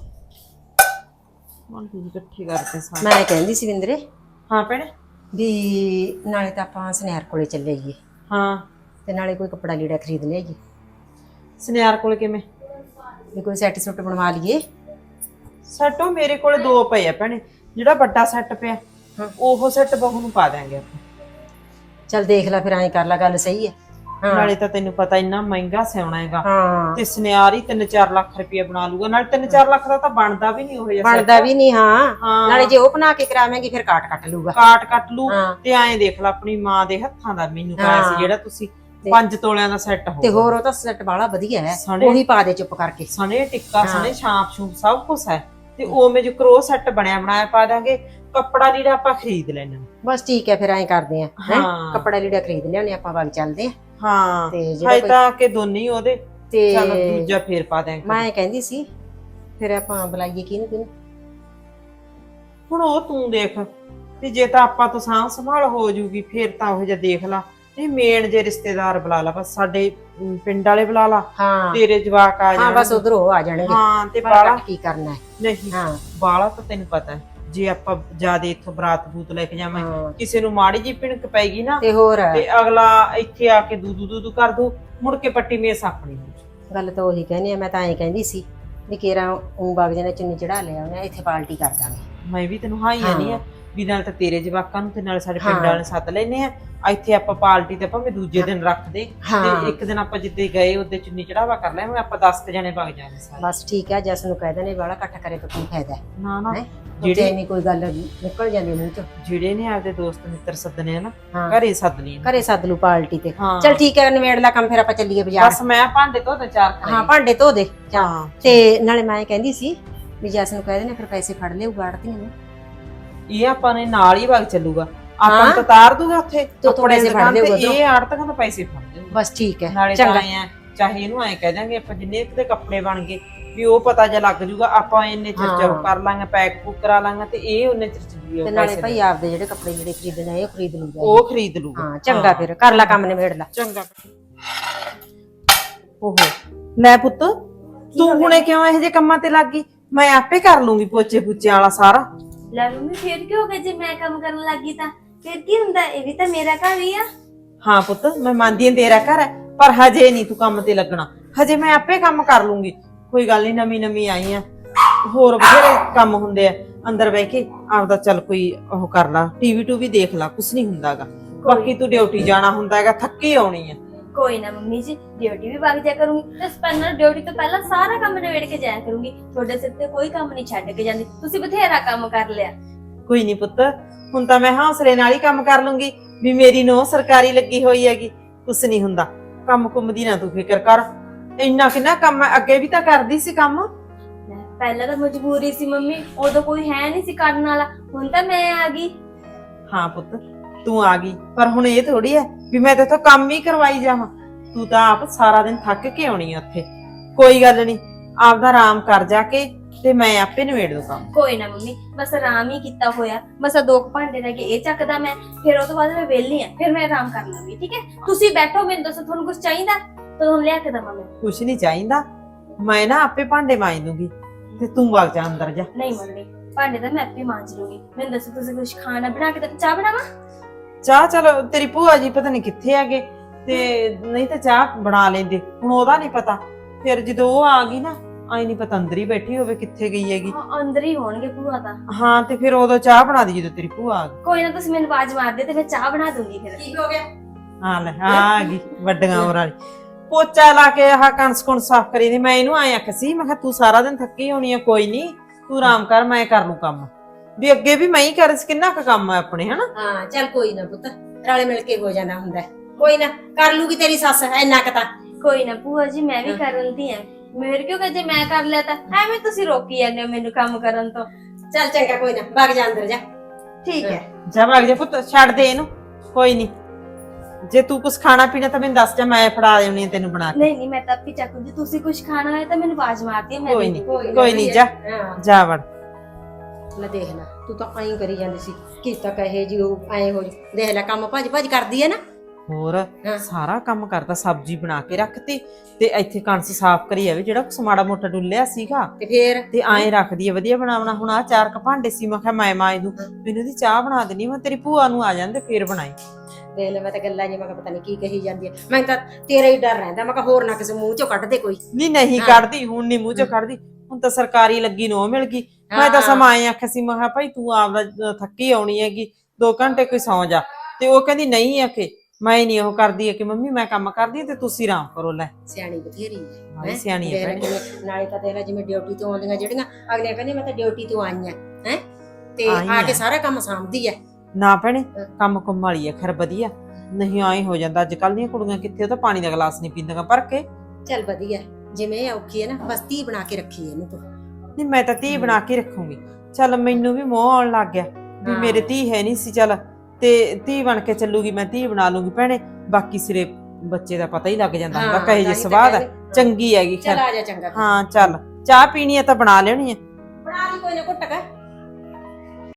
Speaker 2: ਹੁਣ ਤੁਸੀਂ ਇਕੱਠੀ ਕਰਦੇ ਸਾਰੇ।
Speaker 1: ਮੈਂ ਕਹਿੰਦੀ ਸੀ ਬਿੰਦਰੇ
Speaker 2: ਹਾਂ ਭੈਣੇ।
Speaker 1: ਵੀ ਨਾਲੇ ਤਾਂ ਆਪਾਂ ਸੁਨਿਆਰ ਕੋਲੇ ਚੱਲੇ ਜਾਈਏ,
Speaker 2: ਹਾਂ
Speaker 1: ਤੇ ਨਾਲੇ ਕੋਈ ਕੱਪੜਾ ਲੀੜਾ ਖਰੀਦ ਲਿਆਈਏ,
Speaker 2: ਸੁਨਿਆਰ ਕੋਲ ਕਿਵੇਂ?
Speaker 1: ਵੀ ਕੋਈ ਸੈੱਟ ਸੁੱਟ ਬਣਵਾ ਲਈਏ।
Speaker 2: ਸੈੱਟੋ ਮੇਰੇ ਕੋਲ ਦੋ ਪਏ ਆ ਭੈਣੇ, ਜਿਹੜਾ ਵੱਡਾ ਸੈੱਟ ਪਿਆ
Speaker 1: ਹਾਂ।
Speaker 2: ਉਹ ਸੈੱਟ ਬਹੂ ਨੂੰ ਪਾ ਦਿਆਂਗੇ ਆਪਾਂ।
Speaker 1: ਚੱਲ ਦੇਖ ਲੈ ਫਿਰ, ਐਂ ਕਰ ਲੈ, ਗੱਲ ਸਹੀ ਹੈ। ਹਾਂ
Speaker 2: ਨਾਲੇ ਤਾਂ ਤੈਨੂੰ ਪਤਾ ਇੰਨਾ ਮਹਿੰਗਾ ਸਿਉਣਾ ਹੈਗਾ,
Speaker 1: ਹਾਂ
Speaker 2: ਤੇ ਸੁਨਿਆਰ ਹੀ ਤਿੰਨ ਚਾਰ ਲੱਖ ਰੁਪਏ ਬਣਾ ਲੂਗਾ। ਨਾਲ ਤਿੰਨ ਚਾਰ ਲੱਖ ਦਾ ਤਾਂ ਬਣਦਾ ਵੀ ਨਹੀਂ ਉਹ ਜਿਹਾ
Speaker 1: ਬਣਦਾ ਵੀ ਨਹੀਂ। ਹਾਂ
Speaker 2: ਹਾਂ।
Speaker 1: ਨਾਲੇ ਜੇ ਉਹ ਬਣਾ ਕੇ ਕਰਾਵੇਂਗੀ ਫਿਰ ਕਾਟ ਕੱਟ ਲੂਗਾ।
Speaker 2: ਕਾਟ ਕੱਟ ਲੂ।
Speaker 1: ਹਾਂ।
Speaker 2: ਤੇ ਐਂ ਦੇਖ ਲੈ ਆਪਣੀ ਮਾਂ ਦੇ ਹੱਥਾਂ ਦਾ ਮੈਨੂੰ ਪਾਇਆ ਸੀ
Speaker 1: ਹਾਂ।
Speaker 2: ਜਿਹੜਾ ਤੁਸੀਂ
Speaker 1: ਤੇ-
Speaker 2: ਪੰਜ ਤੋਲਿਆਂ ਦਾ ਸੈੱਟ ਹੋ
Speaker 1: ਤੇ ਹੋਰ ਉਹ ਤਾਂ ਸੈੱਟ ਵਾਲਾ ਵਧੀਆ ਹੈ,
Speaker 2: ਸਣੇ-
Speaker 1: ਉਹੀ ਪਾ ਦੇ ਚੁੱਪ ਕਰਕੇ।
Speaker 2: ਸਣੇ ਟਿੱਕਾ
Speaker 1: ਹਾਂ।
Speaker 2: ਸਣੇ ਛਾਂਪ ਛੂਪ ਸਭ ਕੁਝ ਹੈ। ਤੇ ਉਵੇਂ ਜੋ ਕਰੋ ਸੈੱਟ ਬਣਿਆ ਬਣਾਇਆ ਪਾ ਦਾਂਗੇ। ਕੱਪੜਾ ਲੀੜਾ ਆਪਾਂ ਖਰੀਦ ਲੈਣਾ।
Speaker 1: ਬਸ ਠੀਕ ਹੈ ਫਿਰ, ਐਂ ਕਰਦੇ ਆ
Speaker 2: ਹਾਂ।
Speaker 1: ਕੱਪੜਾ ਲੀੜਾ ਖਰੀਦ ਲਿਆਉਣੇ ਆਪਾਂ, ਵਗ ਚੱਲਦੇ ਆ।
Speaker 2: ਹਾਂ
Speaker 1: ਤੇ ਜਿਹੜਾ
Speaker 2: ਹਾਏ
Speaker 1: ਕੋਈ-
Speaker 2: ਤਾਂ ਕਿ ਦੋਨੇ ਹੀ ਉਹਦੇ
Speaker 1: ਤੇ
Speaker 2: ਚੱਲ ਦੂਜਾ ਫੇਰ ਪਾ ਦਿਆਂਗੇ।
Speaker 1: ਮੈਂ ਐਂ ਕਹਿੰਦੀ ਸੀ ਫਿਰ ਆਪਾਂ ਬੁਲਾਈਏ ਕਿਹਨੂੰ ਕਿਹਨੂੰ?
Speaker 2: ਹੁਣ ਉਹ ਤੂੰ ਦੇਖ, ਤੇ ਜੇ ਤਾਂ ਆਪਾਂ ਤੋਂ ਸਾਂਭ ਸੰਭਾਲ ਹੋ ਜੂਗੀ ਫੇਰ ਤਾਂ ਉਹ ਜਿਹਾ ਦੇਖ ਲਾ। ਨਹੀਂ ਮੇਨ ਜੇ ਰਿਸ਼ਤੇਦਾਰ ਬੁਲਾ ਲਾ, ਬਸ ਸਾਡੇ ਅਮ, ਪਿੰਡ ਵਾਲੇ ਬੁਲਾ ਲਾ,
Speaker 1: ਹਾਂ
Speaker 2: ਤੇਰੇ ਜਵਾਕ ਆ
Speaker 1: ਹਾਂ
Speaker 2: ਜਾਣ।
Speaker 1: ਬਸ ਉਧਰੋਂ ਆ ਜਾਣਗੇ।
Speaker 2: ਹਾਂ ਤੇ
Speaker 1: ਬਾਲਾ
Speaker 2: ਬਾਲਾ
Speaker 1: ਕੀ ਕਰਨਾ ਹੈ?
Speaker 2: ਨਹੀਂ
Speaker 1: ਹਾਂ
Speaker 2: ਬਾਲਾ ਤਾਂ ਤੈਨੂੰ ਪਤਾ ਹੈ, ਜੇ ਆਪਾਂ ਜਿਆਦੇ ਇੱਥੋਂ ਬਰਾਤ ਬੂਤ ਲੈ ਕੇ ਜਾਵਾਂ,
Speaker 1: ਹਾਂ
Speaker 2: ਕਿਸੇ ਨੂੰ ਮਾੜੀ ਜੀ ਭਿਣਕ ਪੈਗੀ ਨਾ
Speaker 1: ਤੇ ਹੋਰ
Speaker 2: ਤੇ ਅਗਲਾ ਇੱਥੇ ਆ ਕੇ ਦੂਦੂ ਦੂਦੂ ਕਰ ਦੂ, ਮੁੜ ਕੇ ਪੱਟੀ ਮੇਸ ਆਪਣੀ ਹੋ ਜਾਊ।
Speaker 1: ਗੱਲ ਤਾਂ ਉਹੀ ਕਹਿੰਦੀ ਆ, ਮੈਂ ਤਾਂ ਐਂ ਕਹਿੰਦੀ ਸੀ ਵੀ ਕੇਰਾ ਉਹ ਬਾਗ ਜਨੇ ਚੁੰਨੀ ਚੜਾ ਲਿਆ ਉਹਨੇ, ਇੱਥੇ ਪਾਰਟੀ ਕਰ ਦਾਂਗੇ।
Speaker 2: ਮੈਂ ਵੀ ਤੈਨੂੰ ਹਾਈ ਆਨੀ ਆ
Speaker 1: ਹਾਂ।
Speaker 2: ਵੀ ਨਾਲ ਤਾਂ ਤੇਰੇ ਜਵਾਕਾਂ ਨੂੰ ਤੇ ਨਾਲ ਸਾਡੇ ਪਿੰਡ
Speaker 1: ਹਾਂ।
Speaker 2: ਵਾਲੇ ਨੂੰ ਸੱਦ ਲੈਨੇ ਆ। ਇੱਥੇ ਆਪਾਂ ਪਾਰਟੀ ਤੇ ਭਾਵੇਂ ਦੂਜੇ ਦਿਨ ਰੱਖਦੇ
Speaker 1: ਹਾਂ।
Speaker 2: ਤੇ ਇੱਕ ਦਿਨ ਆਪਾਂ ਜਿੱਦੇ ਗਏ ਉਹਦੇ ਚੁੰਨੀ ਚੜਾਵਾ ਕਰ ਲਿਆ, ਆਪਾਂ ਦਸ ਕੁ ਜਣੇ ਵਗ ਜਾਣੇ ਸਾਰੇ।
Speaker 1: ਬਸ ਠੀਕ ਹੈ, ਜਸ ਨੂੰ ਕਹਿ ਦੇਣੇ ਵਾਲਾ ਇਕੱਠ ਕਰੇ ਤਾਂ ਕੀ ਫਾਇਦਾ ਹੈ?
Speaker 2: ਨਾ ਨਾ
Speaker 1: ਹੈਂ?
Speaker 2: ਜਿਹੜੇ-
Speaker 1: ਜਿਹੜੇ ਨਹੀਂ ਕੋਈ ਗੱਲ ਨਿਕਲ ਜਾਂਦੀ ਮੂੰਹ ਚੋਂ।
Speaker 2: ਜਿਹੜੇ ਨੇ ਆਪਦੇ ਦੋਸਤ ਮਿੱਤਰ ਸੱਦਣੇ ਆ ਨਾ,
Speaker 1: ਹਾਂ
Speaker 2: ਘਰੇ ਸੱਦ ਲਈ
Speaker 1: ਘਰੇ ਸੱਦ ਲੂ ਪਾਰਟੀ ਤੇ।
Speaker 2: ਹਾਂ।
Speaker 1: ਚਲ ਠੀਕ ਹੈ, ਨਵੇੜ ਲਾ ਕੰਮ, ਫਿਰ ਆਪਾਂ ਚੱਲੀਏ ਬਾਜ਼ਾਰ।
Speaker 2: ਬਸ ਮੈਂ ਭਾਂਡੇ ਧੋ ਤੇ ਚਾਰ
Speaker 1: ਹਾਂ ਭਾਂਡੇ ਧੋ ਦੇ।
Speaker 2: ਹਾਂ
Speaker 1: ਤੇ ਨਾਲੇ ਮੈਂ ਕਹਿੰਦੀ ਸੀ ਵੀ ਜਸ ਨੂੰ ਕਹਿ ਦੇਣੇ ਫਿਰ ਪੈਸੇ ਫੜ ਲਿਓ ਗਾੜਤੀਆਂ ਨੂੰ।
Speaker 2: ਇਹ ਆਪਾਂ ਨੇ ਨਾਲ ਹੀ ਵਗ ਚੱਲੂਗਾ, ਆਪਾਂ ਨੂੰ
Speaker 1: ਹਾਂ।
Speaker 2: ਤਾਂ ਤਾਰ ਦੂਗਾ ਉੱਥੇ
Speaker 1: ਤੋਂ
Speaker 2: ਕੱਪੜੇ
Speaker 1: ਪੈਸੇ
Speaker 2: ਦੀ
Speaker 1: ਫੜ
Speaker 2: ਦੁਕਾਨ ਤੇ,
Speaker 1: ਲਿਓ ਉੱਧਰੋਂ।
Speaker 2: ਇਹ ਆੜਤਕਾਂ ਤੋਂ ਪੈਸੇ ਫੜ ਲਿਓ।
Speaker 1: ਬਸ ਠੀਕ ਹੈ,
Speaker 2: ਨਾਲੇ ਤਾਂ
Speaker 1: ਚੰਗਾ।
Speaker 2: ਆਏ ਆ, ਚਾਹੇ ਇਹਨੂੰ ਐਂ ਕਹਿ ਦਾਂਗੇ ਆਪਾਂ ਜਿੰਨੇ ਕੁ ਦੇ ਕੱਪੜੇ ਬਣ ਗਏ ਵੀ ਉਹ ਪਤਾ ਜਿਹਾ ਲੱਗ ਜੂਗਾ, ਆਪਾਂ ਇੰਨੇ ਚਿਰ ਚ ਉਹ
Speaker 1: ਹਾਂ।
Speaker 2: ਕਰ ਲਾਂਗੇ, ਪੈਕ ਪੁੱਕ ਕਰਾ ਲਾਂਗੇ ਤੇ ਇਹ ਉਹਨੇ ਚਿਰ ਚ ਵੀ ਉਹ
Speaker 1: ਤੇ ਨਾਲੇ
Speaker 2: ਪੈਸੇ
Speaker 1: ਭਾਈ ਆਪਦੇ ਜਿਹੜੇ ਕੱਪੜੇ ਜਿਹੜੇ ਖਰੀਦਣੇ ਆ ਉਹ ਖਰੀਦ ਲੂਗਾ।
Speaker 2: ਉਹ ਖਰੀਦ ਲੂਗਾ।
Speaker 1: ਹਾਂ ਚੰਗਾ, ਫਿਰ ਕਰ ਲੈ ਕੰਮ, ਨਿਬੇੜ ਲੈ।
Speaker 2: ਚੰਗਾ। ਓਹੋ ਲੈ ਪੁੱਤ, ਤੂੰ ਹੁਣੇ ਕਿਉਂ ਇਹੋ ਜਿਹੇ ਕੰਮਾਂ ਤੇ ਲੱਗ ਗਈ? ਮੈਂ ਆਪੇ ਕਰ ਲੂੰਗੀ ਪੋਚੇ ਪੁੱਚੇ ਵਾਲਾ ਸਾਰਾ।
Speaker 6: ਲੈ ਮੰਮੀ ਫੇਰ ਕੀ ਹੋ ਗਿਆ ਜੇ ਮੈਂ ਕੰਮ ਕਰਨ ਲੱਗੀ ਤਾਂ? ਫੇਰ ਕੀ ਹੁੰਦਾ, ਇਹ ਵੀ ਤਾਂ ਮੇਰਾ ਘਰ ਹੀ ਆ।
Speaker 2: ਹਾਂ ਪੁੱਤ ਮੈਂ ਮੰਨਦੀ ਹਾਂ ਤੇਰਾ ਘਰ ਹੈ, ਪਰ ਹਜੇ ਨਹੀਂ ਤੂੰ ਕੰਮ ਤੇ ਲੱਗਣਾ, ਹਜੇ ਮੈਂ ਆਪੇ ਕੰਮ ਕਰ ਲੂੰਗੀ। ਕੋਈ ਗੱਲ ਨਹੀਂ, ਨਵੀਂ ਨਵੀਂ ਆਈ ਆ, ਹੋਰ ਬਥੇਰੇ ਕੰਮ ਹੁੰਦੇ ਆ। ਅੰਦਰ ਬਹਿ ਕੇ ਆਪਦਾ ਚੱਲ ਕੋਈ ਉਹ ਕਰ ਲਾ, ਟੀਵੀ ਟੂਵੀ ਦੇਖ ਲਾ, ਕੁਛ ਨਹੀਂ ਹੁੰਦਾਗਾ। ਬਾਕੀ ਤੂੰ ਡਿਊਟੀ ਜਾਣਾ ਹੁੰਦਾ ਹੈਗਾ, ਥੱਕੀ ਆਉਣੀ ਆ।
Speaker 6: ਕੋਈ ਨਾ ਮੰਮੀ ਜੀ, ਡਿਊਟੀ ਵੀ ਵਗ ਜਾ ਕਰੂੰਗੀ ਤੇ ਸਪੈਨਰ ਡਿਊਟੀ ਤੋਂ ਪਹਿਲਾਂ ਸਾਰਾ ਕੰਮ ਨਿਬੇੜ ਕੇ ਜਾਇਆ ਕਰੂੰਗੀ। ਤੁਹਾਡੇ ਸਿਰ ਤੇ ਕੋਈ ਕੰਮ ਨਹੀਂ ਛੱਡ ਕੇ ਜਾਂਦੀ, ਤੁਸੀਂ ਬਥੇਰਾ ਕੰਮ ਕਰ ਲਿਆ।
Speaker 2: ਕੋਈ ਨਹੀਂ ਪੁੱਤ, ਹੁਣ ਤਾਂ ਮੈਂ ਹੌਸਲੇ ਨਾਲ ਹੀ ਕੰਮ ਕਰ ਲੂੰਗੀ ਵੀ ਮੇਰੀ ਨੌਂ ਸਰਕਾਰੀ ਲੱਗੀ ਹੋਈ ਹੈਗੀ, ਕੁਛ ਨਹੀਂ ਹੁੰਦਾ। ਕੰਮ ਕੁੰਮ ਦੀ ਨਾ ਤੂੰ ਫਿਕਰ ਕਰ, ਇੰਨਾ ਕਿੰਨਾ ਕੰਮ ਹੈ, ਅੱਗੇ ਵੀ ਤਾਂ ਕਰਦੀ ਸੀ ਕੰਮ।
Speaker 6: ਲੈ, ਪਹਿਲਾਂ ਤਾਂ ਮਜਬੂਰੀ ਸੀ ਮੰਮੀ, ਉਦੋਂ ਕੋਈ ਹੈ ਨਹੀਂ ਸੀ ਕਰਨ ਵਾਲਾ, ਹੁਣ ਤਾਂ ਮੈਂ ਆ ਗਈ।
Speaker 2: ਹਾਂ ਪੁੱਤ ਤੂੰ ਆ ਗਈ, ਪਰ ਹੁਣ ਇਹ ਥੋੜੀ ਹੈ ਵੀ ਮੈਂ ਤੇਥੋਂ ਕੰਮ ਹੀ ਕਰਵਾਈ ਜਾਵਾਂ। ਤੂੰ ਤਾਂ ਆਪ ਸਾਰਾ ਦਿਨ ਥੱਕ ਕੇ ਆਉਣੀ ਆ ਉੱਥੇ। ਕੋਈ ਗੱਲ ਨਹੀਂ, ਆਪਦਾ ਆਰਾਮ ਕਰ ਜਾ ਕੇ, ਤੇ ਮੈਂ ਆਪੇ ਨਿਬੇੜ ਦੂੰ ਕੰਮ।
Speaker 6: ਕੋਈ ਨਾ ਮੰਮੀ, ਬਸ ਆਰਾਮ ਹੀ ਕੀਤਾ ਹੋਇਆ, ਬਸ ਆਹ ਦੋ ਕੁ ਭਾਂਡੇ ਰਹਿ ਗਏ, ਇਹ ਚੱਕਦਾ ਮੈਂ, ਫਿਰ ਉਹ ਤੋਂ ਬਾਅਦ ਮੈਂ ਵਿਹਲੀ ਆ, ਫਿਰ ਮੈਂ ਆਰਾਮ ਕਰ ਲਵਾਂਗੀ। ਠੀਕ ਹੈ, ਤੁਸੀਂ ਬੈਠੋ, ਮੈਨੂੰ ਦੱਸੋ ਤੁਹਾਨੂੰ ਕੁਝ ਚਾਹੀਦਾ ਤਾਂ ਤੁਹਾਨੂੰ ਲਿਆ ਕੇ ਦੇਵਾਂ ਮੈਂ।
Speaker 2: ਕੁਛ ਨਹੀਂ ਚਾਹੀਦਾ, ਮੈਂ ਨਾ ਆਪੇ ਭਾਂਡੇ ਮਾਂਜ ਦੂੰਗੀ, ਤੇ ਤੂੰ ਵਗ ਜਾ ਅੰਦਰ ਜਾ।
Speaker 6: ਨਹੀਂ ਮੰਮੀ, ਭਾਂਡੇ ਤਾਂ ਮੈਂ ਆਪੇ ਮਾਂਜ ਲੂੰਗੀ। ਮੈਨੂੰ ਦੱਸੋ ਤੁਸੀਂ ਕੁਝ ਖਾਣਾ ਬਣਾ ਕੇ ਤਾਂ ਚਾਹ ਬਣਾਵਾਂ?
Speaker 2: ਚਾਹ ਚਲੋ ਤੇਰੀ ਭੂਆ ਜੀ ਪਤਾ ਨਹੀਂ ਕਿੱਥੇ ਹੈਗੇ, ਤੇ ਨਹੀਂ ਤਾਂ ਚਾਹ ਬਣਾ ਲੈਂਦੇ, ਹੁਣ ਉਹਦਾ ਨਹੀਂ ਪਤਾ। ਫਿਰ ਜਦੋਂ ਉਹ ਆ ਗਈ ਨਾ, ਆਈ ਨਹੀਂ ਪਤਾ ਅੰਦਰ ਹੀ ਬੈਠੀ ਹੋਵੇ, ਕਿੱਥੇ ਗਈ ਹੈਗੀ।
Speaker 6: ਹਾਂ, ਅੰਦਰ ਹੀ ਹੋਣਗੇ ਭੂਆ ਤਾਂ।
Speaker 2: ਹਾਂ ਤੇ ਫਿਰ ਉਦੋਂ ਚਾਹ ਬਣਾ ਦੀ ਜਦੋਂ ਤੇਰੀ ਭੂਆ ਆ ਗਈ।
Speaker 6: ਕੋਈ ਨਾ, ਤੁਸੀਂ ਮੈਨੂੰ ਆਵਾਜ਼ ਮਾਰ ਦੇ ਤੇ ਮੈਂ ਚਾਹ ਬਣਾ ਦੂੰਗੀ ਫਿਰ।
Speaker 1: ਕੀ ਹੋ ਗਿਆ?
Speaker 2: ਹਾਂ ਲੈ ਆ ਆ ਗਈ ਵੱਡੀਆਂ ਉਮਰ ਵਾਲੀ। ਪੋਚਾ ਲਾ ਕੇ ਆਹ ਕਣਸ ਕੁਣ ਸਾਫ਼ ਕਰੀ ਦੀ। ਮੈਂ ਇਹਨੂੰ ਆਇਆ ਸੀ, ਮੈਂ ਕਿਹਾ ਤੂੰ ਸਾਰਾ ਦਿਨ ਥੱਕੀ ਹੋਣੀ ਆ, ਕੋਈ ਨਹੀਂ ਤੂੰ ਆਰਾਮ ਕਰ, ਮੈਂ ਕਰ ਲੂ ਕੰਮ। ਵੀ ਅੱਗੇ ਵੀ ਮੈਂ ਹੀ ਕਰ, ਕਿੰਨਾ ਕੁ ਕੰਮ ਹੈ ਆਪਣੇ, ਹਨਾ।
Speaker 1: ਹਾਂ ਚੱਲ ਕੋਈ ਨਾ ਪੁੱਤ, ਰਲੇ ਮਿਲ ਕੇ ਹੋ ਜਾਣਾ ਹੁੰਦਾ ਹੈ। ਕੋਈ ਨਾ, ਕਰ ਲੂਗੀ ਤੇਰੀ ਸੱਸ ਇੰਨਾ ਕੁ ਤਾਂ।
Speaker 6: ਕੋਈ ਨਾ ਭੂਆ ਜੀ, ਮੈਂ ਵੀ ਕਰਨ ਦੀ ਆ, ਮੇਰੇ ਕਿਉਂ ਕਹੇ ਜੇ ਮੈਂ ਕਰ ਲਿਆ ਤਾਂ ਐਵੇਂ ਤੁਸੀਂ ਰੋਕੀ ਜਾਂਦੇ ਹੋ ਮੈਨੂੰ ਕੰਮ ਕਰਨ ਤੋਂ।
Speaker 1: ਚੱਲ ਚੰਗਾ, ਕੋਈ ਨਾ, ਵਗ ਜਾ ਅੰਦਰ ਜਾ।
Speaker 6: ਠੀਕ ਹੈ।
Speaker 2: ਜਾ ਵਗ ਜਾ ਪੁੱਤ, ਛੱਡ ਦੇ ਇਹਨੂੰ, ਕੋਈ ਨਹੀਂ। ਜੇ ਤੂੰ ਕੁਝ ਖਾਣਾ ਪੀਣਾ ਤਾਂ ਮੈਨੂੰ ਦੱਸ ਜਾ, ਮੈਂ ਫੜਾ ਦੇਣੀ ਤੈਨੂੰ ਬਣਾ ਕੇ।
Speaker 6: ਨਹੀਂ ਨਹੀਂ, ਮੈਂ ਤਾਂ ਆਪੀ ਚੱਕੂ, ਜੇ ਤੁਸੀਂ ਕੁਝ ਖਾਣਾ ਹੋਇਆ ਤਾਂ ਮੈਨੂੰ ਆਵਾਜ਼ ਮਾਰਦੀ, ਮੈਂ
Speaker 2: ਕੋਈ
Speaker 6: ਦੇ
Speaker 2: ਨਹੀਂ
Speaker 6: ਦੂੰਗੀ।
Speaker 2: ਕੋਈ ਨਹੀਂ, ਜਾ
Speaker 1: ਹਾਂ
Speaker 2: ਜਾ ਵੜ।
Speaker 1: ਲੈ ਦੇਖ ਲੈ, ਤੂੰ ਤਾਂ ਐਂ ਕਰੀ ਜਾਂਦੀ ਸੀ ਕਿ ਤਾਂ ਕਹੇ ਜੀ ਉਹ ਐਂ ਹੋ ਜੀ। ਦੇਖ ਲੈ ਕੰਮ ਭੱਜ ਭੱਜ ਕਰਦੀ ਹੈ ਨਾ।
Speaker 2: ਹੋਰ
Speaker 1: ਹਾਂ।
Speaker 2: ਸਾਰਾ ਕੰਮ ਕਰਦਾ, ਸਬਜ਼ੀ ਬਣਾ ਕੇ ਰੱਖਤੀ, ਤੇ ਇੱਥੇ ਕਣਸ ਸਾਫ਼ ਕਰੀ ਜਾਵੇ ਜਿਹੜਾ ਕੁਛ ਮਾੜਾ ਮੋਟਾ ਡੁੱਲਿਆ ਸੀਗਾ,
Speaker 1: ਤੇ ਫੇਰ
Speaker 2: ਤੇ ਐਂ ਰੱਖਦੀ ਹੈ ਵਧੀਆ ਬਣਾਉਣਾ। ਹੁਣ ਆ ਚਾਰ ਕ ਭਾਂਡੇ ਸੀ, ਮੈਂ ਕਿਹਾ ਮੈਂ ਮਾਂਜ ਦੂੰ, ਮੈਨੂੰ ਦੀ ਚਾਹ ਬਣਾ ਦੇਣੀ, ਮੈਂ ਤੇਰੀ ਭੂਆ ਨੂੰ ਆ ਜਾਂਦੇ ਫੇਰ ਬਣਾਈ।
Speaker 1: ਦੇਖ ਲੈ ਮੈਂ ਤਾਂ ਗੱਲਾਂ ਜੀ ਮੈਂ ਕਿਹਾ ਪਤਾ ਨਹੀਂ ਕੀ ਕਹੀ ਜਾਂਦੀ ਹੈ ਮੈਂ ਤਾਂ ਤੇਰਾ ਹੀ ਡਰ ਰਹਿੰਦਾ ਮੈਂ ਕਿਹਾ ਹੋਰ ਨਾ ਕਿਸੇ ਮੂੰਹ ਚੋਂ ਕੱਢ ਦੇ ਕੋਈ
Speaker 2: ਨਹੀਂ ਨਹੀਂ
Speaker 1: ਹਾਂ।
Speaker 2: ਕੱਢਦੀ ਹੁਣ ਨਹੀਂ ਮੂੰਹ ਚੋਂ ਕੱਢਦੀ ਹੁਣ ਤਾਂ ਸਰਕਾਰੀ ਲੱਗੀ ਨੂੰ ਉਹ ਮਿਲ ਗਈ ਮੈਂ ਤਾਂ
Speaker 1: ਹਾਂ।
Speaker 2: ਸਮਾਂ ਆਏ ਆਖਿਆ ਸੀ ਮੈਂ ਕਿਹਾ ਭਾਈ ਤੂੰ ਆਪਦਾ ਅਹ, ਥੱਕੀ ਆਉਣੀ ਹੈਗੀ ਦੋ ਘੰਟੇ ਕੋਈ ਸੌਂ ਜਾ ਤੇ ਉਹ ਕਹਿੰਦੀ ਨਹੀਂ ਆਖੇ ਮੈਂ ਨਹੀਂ ਉਹ ਕਰਦੀ ਹੈ ਕਿ ਮੰਮੀ ਮੈਂ ਕੰਮ ਕਰਦੀ ਹਾਂ ਤੇ ਤੁਸੀਂ ਆਰਾਮ ਕਰੋ ਲੈ
Speaker 1: ਸਿਆਣੀ ਬਥੇਰੀ ਹੈ
Speaker 2: ਹਾਏ
Speaker 1: ਹੈਂ?
Speaker 2: ਸਿਆਣੀ ਹੈ
Speaker 1: ਦੇਖ ਲੈ
Speaker 2: ਭੈਣੇ।
Speaker 1: ਕਿਵੇਂ- ਨਾਲੇ ਤਾਂ ਦੇਖ ਲੈ ਜਿਵੇਂ ਡਿਊਟੀ ਤੋਂ ਆਉਂਦੀਆਂ ਜਿਹੜੀਆਂ ਅਗਲੀਆਂ ਕਹਿੰਦੀਆਂ ਮੈਂ ਤਾਂ ਡਿਊਟੀ ਤੋਂ ਆਈ ਆ ਹੈ ਤੇ
Speaker 2: ਆਈ
Speaker 1: ਆ ਕੇ
Speaker 2: ਆਂ।
Speaker 1: ਸਾਰਾ ਕੰਮ ਸਾਂਭਦੀ ਹੈ
Speaker 2: ਨਾ ਭੈਣੇ ਕੰਮ ਕੁੰਮ ਵਾਲੀ ਹੈ ਖੈਰ ਵਧੀਆ ਨਹੀਂ ਆਏ ਹੋ ਜਾਂਦਾ ਅੱਜ ਕੱਲ ਦੀਆਂ ਕੁੜੀਆਂ ਕਿੱਥੇ ਉਹ ਤਾਂ ਪਾਣੀ ਦਾ ਗਲਾਸ ਨਹੀਂ ਪੀਂਦੀਆਂ ਭਰ ਕੇ
Speaker 1: ਚੱਲ ਵਧੀਆ ਜਿਵੇਂ ਇਹ ਔਖੀ ਹੈ ਨਾ ਬਸ ਧੀ ਬਣਾ ਕੇ ਰੱਖੀ ਇਹਨੂੰ ਤੂੰ
Speaker 2: ਨਹੀਂ ਮੈਂ ਤਾਂ ਧੀ ਬਣਾ ਕੇ ਰੱਖੂੰਗੀ ਚੱਲ ਮੈਨੂੰ ਵੀ ਮੋਹ ਆਉਣ ਲੱਗ ਗਿਆ ਵੀ
Speaker 1: ਹਾਂ।
Speaker 2: ਮੇਰੇ ਧੀ ਹੈ ਨਹੀਂ ਸੀ ਚੱਲ ਤੇ ਧੀ ਬਣ ਕੇ ਚੱਲੂਗੀ ਮੈਂ ਧੀ ਬਣਾ ਲੂੰਗੀ ਭੈਣੇ ਬਾਕੀ ਸਿਰੇ ਬੱਚੇ ਦਾ ਪਤਾ ਹੀ ਲੱਗ ਜਾਂਦਾ ਹੁੰਦਾ
Speaker 1: ਹਾਂ,
Speaker 2: ਕਹੇ
Speaker 1: ਤਾਂ
Speaker 2: ਜੇ
Speaker 1: ਹੀ ਤਾਂ
Speaker 2: ਸਵਾਦ ਹੈ
Speaker 1: ਕਹਿੰਦੇ-
Speaker 2: ਚੰਗੀ ਹੈਗੀ
Speaker 1: ਚੱਲ
Speaker 2: ਖੈਰ
Speaker 1: ਆ ਜਾ ਚੰਗਾ ਫਿਰ।
Speaker 2: ਹਾਂ ਚੱਲ ਚਾਹ ਪੀਣੀ ਹੈ ਤਾਂ ਬਣਾ ਲੈਣੀ ਹੈ
Speaker 1: ਬਣਾ ਲਈ ਕੋਈ ਨਾ ਘੁੱਟ ਕੇ